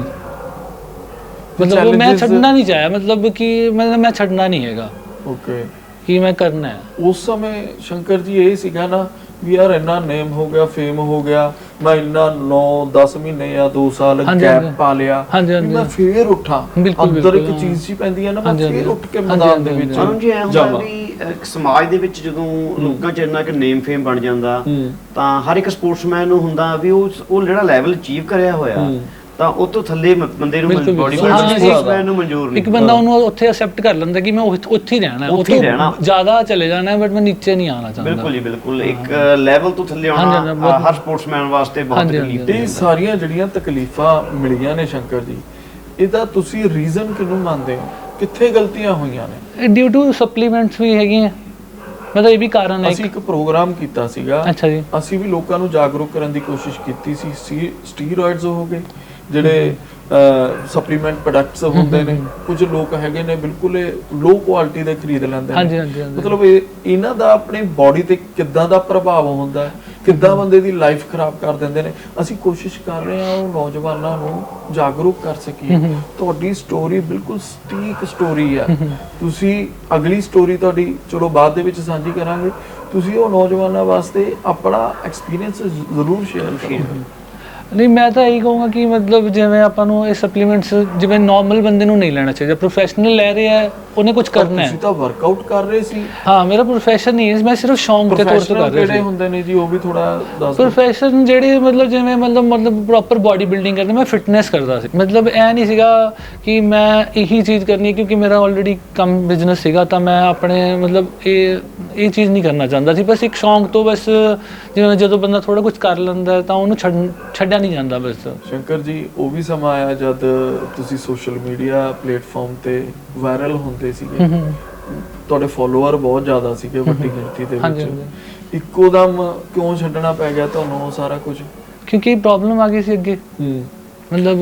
[SPEAKER 4] injury।
[SPEAKER 2] ਮਤਲਬ ਉਹ ਮੈਂ
[SPEAKER 3] challenges-
[SPEAKER 2] ਛੱਡਣਾ ਨਹੀਂ ਚਾਹਿਆ, ਮਤਲਬ ਕਿ ਮਤਲਬ ਮੈਂ ਛੱਡਣਾ ਨਹੀਂ ਹੈਗਾ
[SPEAKER 3] ਓਕੇ
[SPEAKER 2] ਕਿ ਮੈਂ ਕਰਨਾ ਹੈ।
[SPEAKER 3] ਉਸ ਸਮੇਂ ਸ਼ੰਕਰ ਜੀ ਇਹ ਸੀਗਾ ਨਾ ਵੀ ਯਾਰ ਇੰਨਾ ਨੇਮ ਹੋ ਗਿਆ, ਫੇਮ ਹੋ ਗਿਆ, ਮੈਂ ਇੰਨਾ ਨੌ ਦਸ ਮਹੀਨੇ ਜਾਂ ਦੋ ਸਾਲ
[SPEAKER 2] ਹਾਂਜੀ,
[SPEAKER 3] ਗੈਪ
[SPEAKER 2] ਹਾਂਜੀ।
[SPEAKER 3] ਪਾ ਲਿਆ,
[SPEAKER 2] ਹਾਂਜੀ,
[SPEAKER 3] ਵੀ
[SPEAKER 2] ਹਾਂਜੀ।
[SPEAKER 3] ਮੈਂ ਫੇਰ ਉੱਠਾਂ।
[SPEAKER 2] ਬਿਲਕੁਲ,
[SPEAKER 3] ਅੰਦਰ
[SPEAKER 2] ਬਿਲਕੁਲ,
[SPEAKER 3] ਇੱਕ
[SPEAKER 2] ਹਾਂ।
[SPEAKER 3] ਚੀਜ਼ ਸੀ ਪੈਂਦੀ ਹੈ ਨਾ, ਮੈਂ
[SPEAKER 2] ਹਾਂਜੀ,
[SPEAKER 3] ਫੇਰ
[SPEAKER 2] ਹਾਂਜੀ।
[SPEAKER 3] ਉੱਠ ਕੇ
[SPEAKER 2] ਹਾਂਜੀ,
[SPEAKER 3] ਮੈਦਾਨ ਦੇ
[SPEAKER 2] ਹਾਂਜੀ,
[SPEAKER 3] ਵਿੱਚ
[SPEAKER 4] ਅਰੁਣ ਜੀ ਐ ਹੁੰਦਾ
[SPEAKER 3] ਜਾਵਾਂ।
[SPEAKER 4] ਵੀ ਇੱਕ ਸਮਾਜ ਦੇ ਵਿੱਚ ਜਦੋਂ ਲੋਕਾਂ 'ਚ ਇੰਨਾ ਕਿ ਨੇਮ ਫੇਮ ਬਣ ਜਾਂਦਾ,
[SPEAKER 3] ਹੂੰ।
[SPEAKER 4] ਤਾਂ ਹਰ ਇੱਕ ਸਪੋਰਟਸਮੈਨ ਨੂੰ ਹੁੰਦਾ ਵੀ ਉਹ ਉਹ ਜਿਹੜਾ ਲੈਵਲ ਅਚੀਵ ਕਰਿਆ ਹੋਇਆ, ਤਾਂ ਉਹ ਤੋਂ ਥੱਲੇ ਮ- ਬੰਦੇ ਨੂੰ
[SPEAKER 2] ਬਿਲਕੁਲ,
[SPEAKER 4] ਬੋਡੀ
[SPEAKER 2] ਬਿਲਕੁਲ। ਹਾਂ,
[SPEAKER 4] ਸਪੋਰਟਸਮੈਨ ਨੂੰ ਮਨਜ਼ੂਰ ਨਹੀਂ।
[SPEAKER 2] ਇੱਕ ਬੰਦਾ ਉਹਨੂੰ ਉੱਥੇ ਅਸੈਪਟ ਕਰ ਲੈਂਦਾ ਕਿ ਮੈਂ ਉੱਥੇ ਉੱਥੇ ਹੀ ਰਹਿਣਾ ਹੈ,
[SPEAKER 4] ਉੱਥੇ ਹੀ
[SPEAKER 2] ਉੱਥੋਂ
[SPEAKER 4] ਰਹਿਣਾ।
[SPEAKER 2] ਜ਼ਿਆਦਾ ਚਲੇ ਜਾਣਾ ਹੈ ਬਟ ਮੈਂ ਨੀਚੇ ਨਹੀਂ ਆਉਣਾ ਚਾਹੁੰਦਾ।
[SPEAKER 4] ਬਿਲਕੁਲ ਜੀ, ਬਿਲਕੁਲ। ਇੱਕ ਲੈਵਲ ਤੋਂ ਥੱਲੇ
[SPEAKER 2] ਹਾਂਜੀ,
[SPEAKER 4] ਆਉਣਾ
[SPEAKER 2] ਹਾਂਜੀ, ਬਹੁਤ-
[SPEAKER 4] ਹਰ ਸਪੋਰਟਸਮੈਨ ਵਾਸਤੇ ਬਹੁਤ
[SPEAKER 2] ਹਾਂਜੀ, ਹਾਂਜੀ,
[SPEAKER 4] ਤਕਲੀਫ
[SPEAKER 3] ਇਹ ਸਾਰੀਆਂ ਜਿਹੜੀਆਂ ਤਕਲੀਫਾਂ ਮਿਲੀਆਂ ਨੇ ਸ਼ੰਕਰ ਜੀ, ਇਹਦਾ ਤੁਸੀਂ ਰੀਜ਼ਨ ਕਿਹਨੂੰ ਮੰਨਦੇ ਹੋ? ਕਿੱਥੇ ਗਲਤੀਆਂ ਹੋਈਆਂ ਨੇ?
[SPEAKER 2] ਡਿਊ ਟੂ ਸਪਲੀਮੈਂਟਸ ਵੀ ਹੈਗੀਆਂ, ਮਤਲਬ ਇਹ ਵੀ ਕਾਰਨ ਹੈ।
[SPEAKER 3] ਅਸੀਂ ਇੱਕ ਪ੍ਰੋਗਰਾਮ ਕੀਤਾ ਸੀਗਾ,
[SPEAKER 2] ਅੱਛਾ ਜੀ।
[SPEAKER 3] ਅਸੀਂ ਵੀ ਲੋਕਾਂ ਨੂੰ ਜਾਗਰੂਕ ਕਰਨ ਦੀ ਕੋਸ਼ਿਸ਼ ਕੀਤੀ ਸੀ। ਸੀ ਸਟੀਰੋਇਡਸ ਹੋ ਗਏ, ਜਿਹੜੇ ਸਪਲੀਮੈਂਟ ਪ੍ਰੋਡਕਟਸ ਹੁੰਦੇ ਨੇ, ਕੁਝ ਲੋਕ ਹੈਗੇ ਨੇ ਬਿਲਕੁਲ ਲੋ ਕੁਆਲਿਟੀ ਦੇ ਖਰੀਦ ਲੈਂਦੇ
[SPEAKER 2] ਹਾਂਜੀ,
[SPEAKER 3] ਨੇ।
[SPEAKER 2] ਹਾਂਜੀ, ਹਾਂਜੀ।
[SPEAKER 3] ਮਤਲਬ ਇਹ ਇਹਨਾਂ ਦਾ ਆਪਣੀ ਬਾਡੀ ਤੇ ਕਿੱਦਾਂ ਦਾ ਪ੍ਰਭਾਵ ਹੁੰਦਾ ਹੈ, ਕਿੱਦਾਂ ਬੰਦੇ ਦੀ ਲਾਈਫ ਖਰਾਬ ਕਰ ਦਿੰਦੇ ਨੇ। ਅਸੀਂ ਕੋਸ਼ਿਸ਼ ਕਰ ਰਹੇ ਹਾਂ ਉਹ ਨੌਜਵਾਨਾਂ ਨੂੰ ਜਾਗਰੂਕ ਕਰ ਸਕੀਏ। ਤੁਹਾਡੀ ਸਟੋਰੀ ਬਿਲਕੁਲ ਸਟੀਕ ਸਟੋਰੀ ਹੈ। ਤੁਸੀਂ ਅਗਲੀ ਸਟੋਰੀ ਤੁਹਾਡੀ ਚਲੋ ਬਾਅਦ ਦੇ ਵਿੱਚ ਸਾਂਝੀ ਕਰਾਂਗੇ। ਤੁਸੀਂ ਉਹ ਨੌਜਵਾਨਾਂ ਵਾਸਤੇ ਆਪਣਾ ਐਕਸਪੀਰੀਅੰਸ ਜ਼ਰੂਰ ਸ਼ੇਅਰ ਕਰੋ।
[SPEAKER 2] ਨਹੀਂ ਮੈਂ ਤਾਂ ਇਹੀ ਕਹੂੰਗਾ ਕਿ ਮਤਲਬ ਜਿਵੇਂ ਆਪਾਂ ਨੂੰ ਇਹ ਸਪਲੀਮੈਂਟਸ ਜਿਵੇਂ ਨਾਰਮਲ ਬੰਦੇ ਨੂੰ ਨਹੀਂ ਲੈਣਾ ਚਾਹੀਦਾ। ਪ੍ਰੋਫੈਸ਼ਨਲ ਲੈ ਰਿਹਾ ਹੈ, ਉਹਨੇ ਕੁਝ ਕਰਨਾ ਹੈ।
[SPEAKER 3] ਤੁਸੀਂ ਤਾਂ ਵਰਕਆਊਟ ਕਰ ਰਹੇ ਸੀ।
[SPEAKER 2] ਹਾਂ, ਮੇਰਾ ਪ੍ਰੋਫੈਸ਼ਨ ਨਹੀਂ ਹੈ, ਮੈਂ ਸਿਰਫ ਸ਼ੌਂਕ ਦੇ ਤੌਰ ਤੇ ਕਰ
[SPEAKER 3] ਪ੍ਰੋਫੈਸ਼ਨਲ
[SPEAKER 2] ਰਿਹਾ
[SPEAKER 3] ਕਿਹੜੇ
[SPEAKER 2] ਸੀ।
[SPEAKER 3] ਹੁੰਦੇ ਨੇ ਜੀ, ਉਹ ਵੀ ਥੋੜਾ ਦੱਸ ਦਿਓ।
[SPEAKER 2] ਪ੍ਰੋਫੈਸ਼ਨ ਜਿਹੜੇ ਮਤਲਬ ਜਿਵੇਂ ਮਤਲਬ ਮਤਲਬ ਪ੍ਰੋਪਰ ਬਾਡੀ ਬਿਲਡਿੰਗ ਕਰਦੇ, ਮੈਂ ਫਿਟਨੈਸ ਕਰਦਾ ਸੀ। ਮਤਲਬ ਇਹ ਨਹੀਂ ਸੀਗਾ ਕਿ ਮੈਂ ਇਹੀ ਚੀਜ਼ ਕਰਨੀ ਹੈ ਕਿਉਂਕਿ ਮੇਰਾ ਆਲਰੇਡੀ ਕੰਮ ਬਿਜ਼ਨਸ ਸੀਗਾ, ਤਾਂ ਮੈਂ ਆਪਣੇ ਮਤਲਬ ਇਹ ਇਹ ਚੀਜ਼ ਨਹੀਂ ਕਰਨਾ ਚਾਹੁੰਦਾ ਸੀ। ਬਸ ਇੱਕ ਸ਼ੌਂਕ ਤੋਂ, ਬਸ ਜਿਵੇਂ ਜਦੋਂ ਬੰਦਾ ਥੋੜਾ ਕੁਝ ਕਰ ਲੈਂਦਾ ਤਾਂ ਉਹਨੂੰ ਛੱਡ ਛੱਡਿਆ ਨਹੀਂ ਜਾਂਦਾ। ਬਸ
[SPEAKER 3] ਸ਼ੰਕਰ ਜੀ, ਉਹ ਵੀ ਸਮਾਂ ਆਇਆ ਜਦ ਤੁਸੀਂ ਸੋਸ਼ਲ ਮੀਡੀਆ ਪਲੇਟਫਾਰਮ ਤੇ ਵਾਇਰਲ ਹੁੰਦੇ ਸੀਗੇ, ਤੁਹਾਡੇ ਫੋਲੋਅਰ ਬਹੁਤ ਜ਼ਿਆਦਾ ਸੀਗੇ, ਵੱਡੀ ਗਿਣਤੀ ਦੇ
[SPEAKER 2] ਹਾਂਜੀ,
[SPEAKER 3] ਵਿੱਚ। ਇੱਕੋ ਦਮ ਕਿਉਂ ਛੱਡਣਾ ਪੈ ਗਿਆ ਤੁਹਾਨੂੰ ਉਹ ਸਾਰਾ ਕੁਝ?
[SPEAKER 2] ਕਿਉਂਕਿ ਪ੍ਰੋਬਲਮ ਆ ਗਈ ਸੀ ਅੱਗੇ।
[SPEAKER 3] ਹੂੰ
[SPEAKER 2] ਮਤਲਬ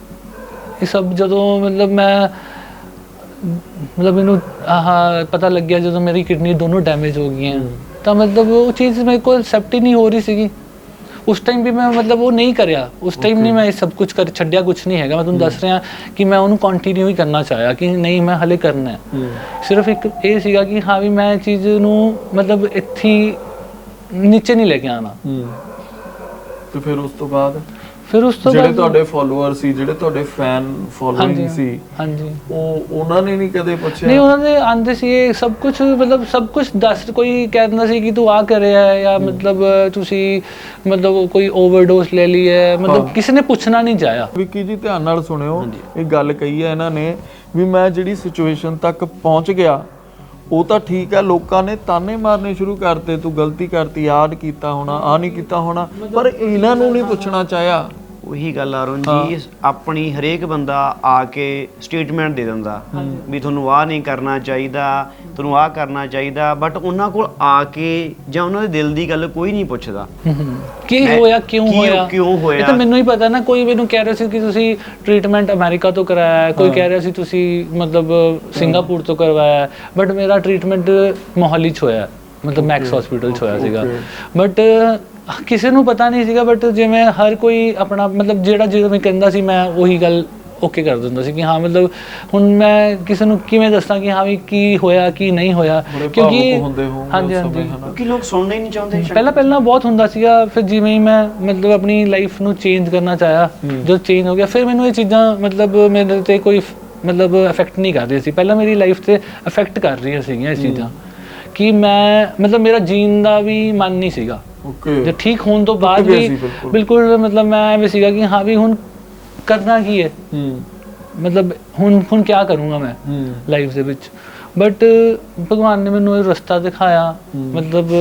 [SPEAKER 2] ਇਹ ਸਭ ਜਦੋਂ ਮਤਲਬ ਮੈਂ ਮਤਲਬ ਮੈਨੂੰ ਆਹ ਪਤਾ ਲੱਗਿਆ ਜਦੋਂ ਮੇਰੀ ਕਿਡਨੀ ਦੋਨੋਂ ਡੈਮੇਜ ਹੋ ਗਈਆਂ, ਤਾਂ ਮਤਲਬ ਉਹ ਚੀਜ਼ ਮੇਰੇ ਕੋਲ ਐਕਸੈਪਟ ਹੀ ਨਹੀਂ ਹੋ ਰਹੀ ਸੀਗੀ। ਉਸ ਟਾਈਮ ਵੀ ਮੈਂ ਮਤਲਬ ਉਹ ਨਹੀਂ ਕਰਿਆ, ਉਸ ਟਾਈਮ ਨਹੀਂ ਮੈਂ ਇਹ ਸਭ ਕੁਝ ਕਰ ਛੱਡਿਆ, ਕੁਝ ਨਹੀਂ ਹੈਗਾ। ਮੈਂ ਤੁਹਾਨੂੰ ਦੱਸ ਰਿਹਾ ਕਿ ਮੈਂ ਉਹਨੂੰ ਕੰਟੀਨਿਊ ਹੀ ਕਰਨਾ ਚਾਹਿਆ ਕਿ ਨਹੀਂ ਮੈਂ ਹਲੇ ਕਰਨਾ ਹੈ। ਸਿਰਫ ਇੱਕ ਇਹ ਸੀਗਾ ਕਿ ਹਾਂ ਵੀ ਮੈਂ ਇਹ ਚੀਜ਼ ਨੂੰ ਮਤਲਬ ਇੱਥੇ ਨੀਚੇ ਨਹੀਂ ਲੈ ਕੇ ਆਣਾ।
[SPEAKER 3] ਤੇ ਫਿਰ ਉਸ ਤੋਂ ਬਾਅਦ
[SPEAKER 2] ਫਿਰ ਉਸ ਤੋਂ
[SPEAKER 3] ਜਿਹੜੇ
[SPEAKER 2] ਬਾਅਦ
[SPEAKER 3] ਤੁਹਾਡੇ ਫੋਲੋਅਰ ਸੀ, ਜਿਹੜੇ ਤੁਹਾਡੇ ਫੈਨ ਫੋਲੋਇੰਗ ਸੀ,
[SPEAKER 2] ਹਾਂਜੀ
[SPEAKER 3] ਉਹ ਉਹਨਾਂ ਨੇ ਨਹੀਂ ਕਦੇ ਪੁੱਛਿਆ?
[SPEAKER 2] ਨਹੀਂ, ਉਹਨਾਂ ਦੇ ਆਂਦੇ ਸੀ ਇਹ ਸਭ ਕੁਝ ਮਤਲਬ ਸਭ ਕੁਝ ਦੱਸ, ਕੋਈ ਕਹਿ ਦਿੰਦਾ ਸੀ ਕਿ ਤੂੰ ਆ ਕਰ ਰਿਹਾ ਹੈ ਜਾਂ ਮਤਲਬ ਤੁਸੀਂ ਮਤਲਬ ਕੋਈ ਓਵਰਡੋਸ ਲੈ ਲਈ ਹੈ, ਮਤਲਬ ਕਿਸੇ ਨੇ ਪੁੱਛਣਾ ਨਹੀਂ ਚਾਹਿਆ।
[SPEAKER 3] ਵਿੱਕੀ ਜੀ ਧਿਆਨ ਨਾਲ ਸੁਣਿਓ, ਇਹ ਗੱਲ ਕਹੀ ਹੈ ਇਹਨਾਂ ਨੇ ਵੀ ਮੈਂ ਜਿਹੜੀ ਸਿਚੁਏਸ਼ਨ ਤੱਕ ਪਹੁੰਚ ਗਿਆ ਉਹ ਤਾਂ ਠੀਕ ਹੈ, ਲੋਕਾਂ ਨੇ ਤਾਨੇ ਮਾਰਨੇ ਸ਼ੁਰੂ ਕਰਤੇ, ਤੂੰ ਗਲਤੀ ਕਰਤੀ, ਆਹ ਕੀਤਾ ਹੋਣਾ, ਆਹ ਨਹੀਂ ਕੀਤਾ ਹੋਣਾ, ਪਰ ਇਹਨਾਂ ਨੂੰ ਨਹੀਂ ਪੁੱਛਣਾ ਚਾਹਿਆ
[SPEAKER 4] ਉਹੀ ਗੱਲ ਅਰੁਣ ਜੀ, ਆਪਣੀ ਹਰੇਕ ਬੰਦਾ ਆ ਕੇ ਸਟੇਟਮੈਂਟ ਦੇ ਦਿੰਦਾ ਵੀ ਤੁਹਾਨੂੰ ਆਹ ਨਹੀਂ ਕਰਨਾ ਚਾਹੀਦਾ, ਤੁਹਾਨੂੰ ਆਹ ਕਰਨਾ ਚਾਹੀਦਾ, ਬਟ ਉਹਨਾਂ ਕੋਲ ਆ ਕੇ ਜਾਂ ਉਹਨਾਂ ਦੇ ਦਿਲ ਦੀ ਗੱਲ ਕੋਈ ਨਹੀਂ ਪੁੱਛਦਾ
[SPEAKER 2] ਕੀ ਹੋਇਆ, ਕਿਉਂ
[SPEAKER 4] ਕੀ-
[SPEAKER 2] ਹੋਇਆ
[SPEAKER 4] ਕਿਉਂ ਹੋਇਆ।
[SPEAKER 2] ਇਹ ਤਾਂ ਮੈਨੂੰ ਹੀ ਪਤਾ ਨਾ। ਕੋਈ ਮੈਨੂੰ ਕਹਿ ਰਿਹਾ ਸੀ ਕਿ ਤੁਸੀਂ ਟ੍ਰੀਟਮੈਂਟ ਅਮਰੀਕਾ ਤੋਂ ਕਰਾਇਆ ਹੈ, ਕੋਈ ਕਹਿ ਰਿਹਾ ਸੀ ਤੁਸੀਂ ਮਤਲਬ ਸਿੰਗਾਪੁਰ ਤੋਂ ਕਰਵਾਇਆ, ਬਟ ਮੇਰਾ ਟ੍ਰੀਟਮੈਂਟ ਮੋਹਾਲੀ 'ਚ ਹੋਇਆ, ਮਤਲਬ ਮੈਕਸ ਹਸਪੀਟਲ 'ਚ ਹੋਇਆ ਸੀਗਾ। ਬਟ ਕਿਸੇ ਨੂੰ ਪਤਾ ਨਹੀਂ ਸੀਗਾ, ਬਟ ਜਿਵੇਂ ਹਰ ਕੋਈ ਆਪਣਾ ਮਤਲਬ ਜਿਹੜਾ ਜਿਵੇਂ ਕਹਿੰਦਾ ਸੀ ਮੈਂ ਉਹੀ ਗੱਲ ਓਕੇ ਕਰ ਦਿੰਦਾ ਸੀ ਕਿ ਹਾਂ ਮਤਲਬ ਹੁਣ ਮੈਂ ਕਿਸੇ ਨੂੰ ਕਿਵੇਂ ਦੱਸਾਂ ਕਿ ਹਾਂ ਵੀ ਕੀ ਹੋਇਆ ਕੀ ਨਹੀਂ ਹੋਇਆ, ਕਿਉਂਕਿ ਹਾਂਜੀ ਹਾਂਜੀ
[SPEAKER 4] ਕਿਉਂਕਿ ਲੋਕ ਸੁਣਨਾ ਹੀ ਨਹੀਂ ਚਾਹੁੰਦੇ।
[SPEAKER 2] ਪਹਿਲਾਂ ਪਹਿਲਾਂ ਬਹੁਤ ਹੁੰਦਾ ਸੀਗਾ, ਫਿਰ ਜਿਵੇਂ ਹੀ ਮੈਂ ਮਤਲਬ ਆਪਣੀ ਲਾਈਫ ਨੂੰ ਚੇਂਜ ਕਰਨਾ ਚਾਹਿਆ, ਜਦੋਂ ਚੇਂਜ ਹੋ ਗਿਆ ਫਿਰ ਮੈਨੂੰ ਇਹ ਚੀਜ਼ਾਂ ਮਤਲਬ ਮੇਰੇ ਤੇ ਕੋਈ ਮਤਲਬ ਇਫੈਕਟ ਨਹੀਂ ਕਰ ਰਹੀ ਸੀ। ਪਹਿਲਾਂ ਮੇਰੀ ਲਾਈਫ ਤੇ ਇਫੈਕਟ ਕਰ ਰਹੀਆਂ ਸੀਗੀਆਂ ਇਹ ਚੀਜ਼ਾਂ ਕਿ ਮੈਂ ਮਤਲਬ ਮੇਰਾ ਜੀਣ ਦਾ ਵੀ ਮਨ ਨਹੀਂ ਸੀਗਾ। ਜੇ ਠੀਕ ਹੋਣ ਤੋਂ ਬਾਅਦ ਵੀ ਬਿਲਕੁਲ ਮਤਲਬ ਮੈਂ ਐਵੇਂ ਸੀਗਾ ਕਿ ਹਾਂ ਵੀ ਹੁਣ ਕਰਨਾ ਕੀ ਹੈ, ਮਤਲਬ ਹੁਣ ਹੁਣ ਕੀ ਕਰੂੰਗਾ ਮੈਂ ਲਾਈਫ ਦੇ ਵਿੱਚ। ਬਟ ਭਗਵਾਨ ਨੇ ਮੈਨੂੰ ਇਹ ਰਸਤਾ ਦਿਖਾਇਆ, ਮਤਲਬ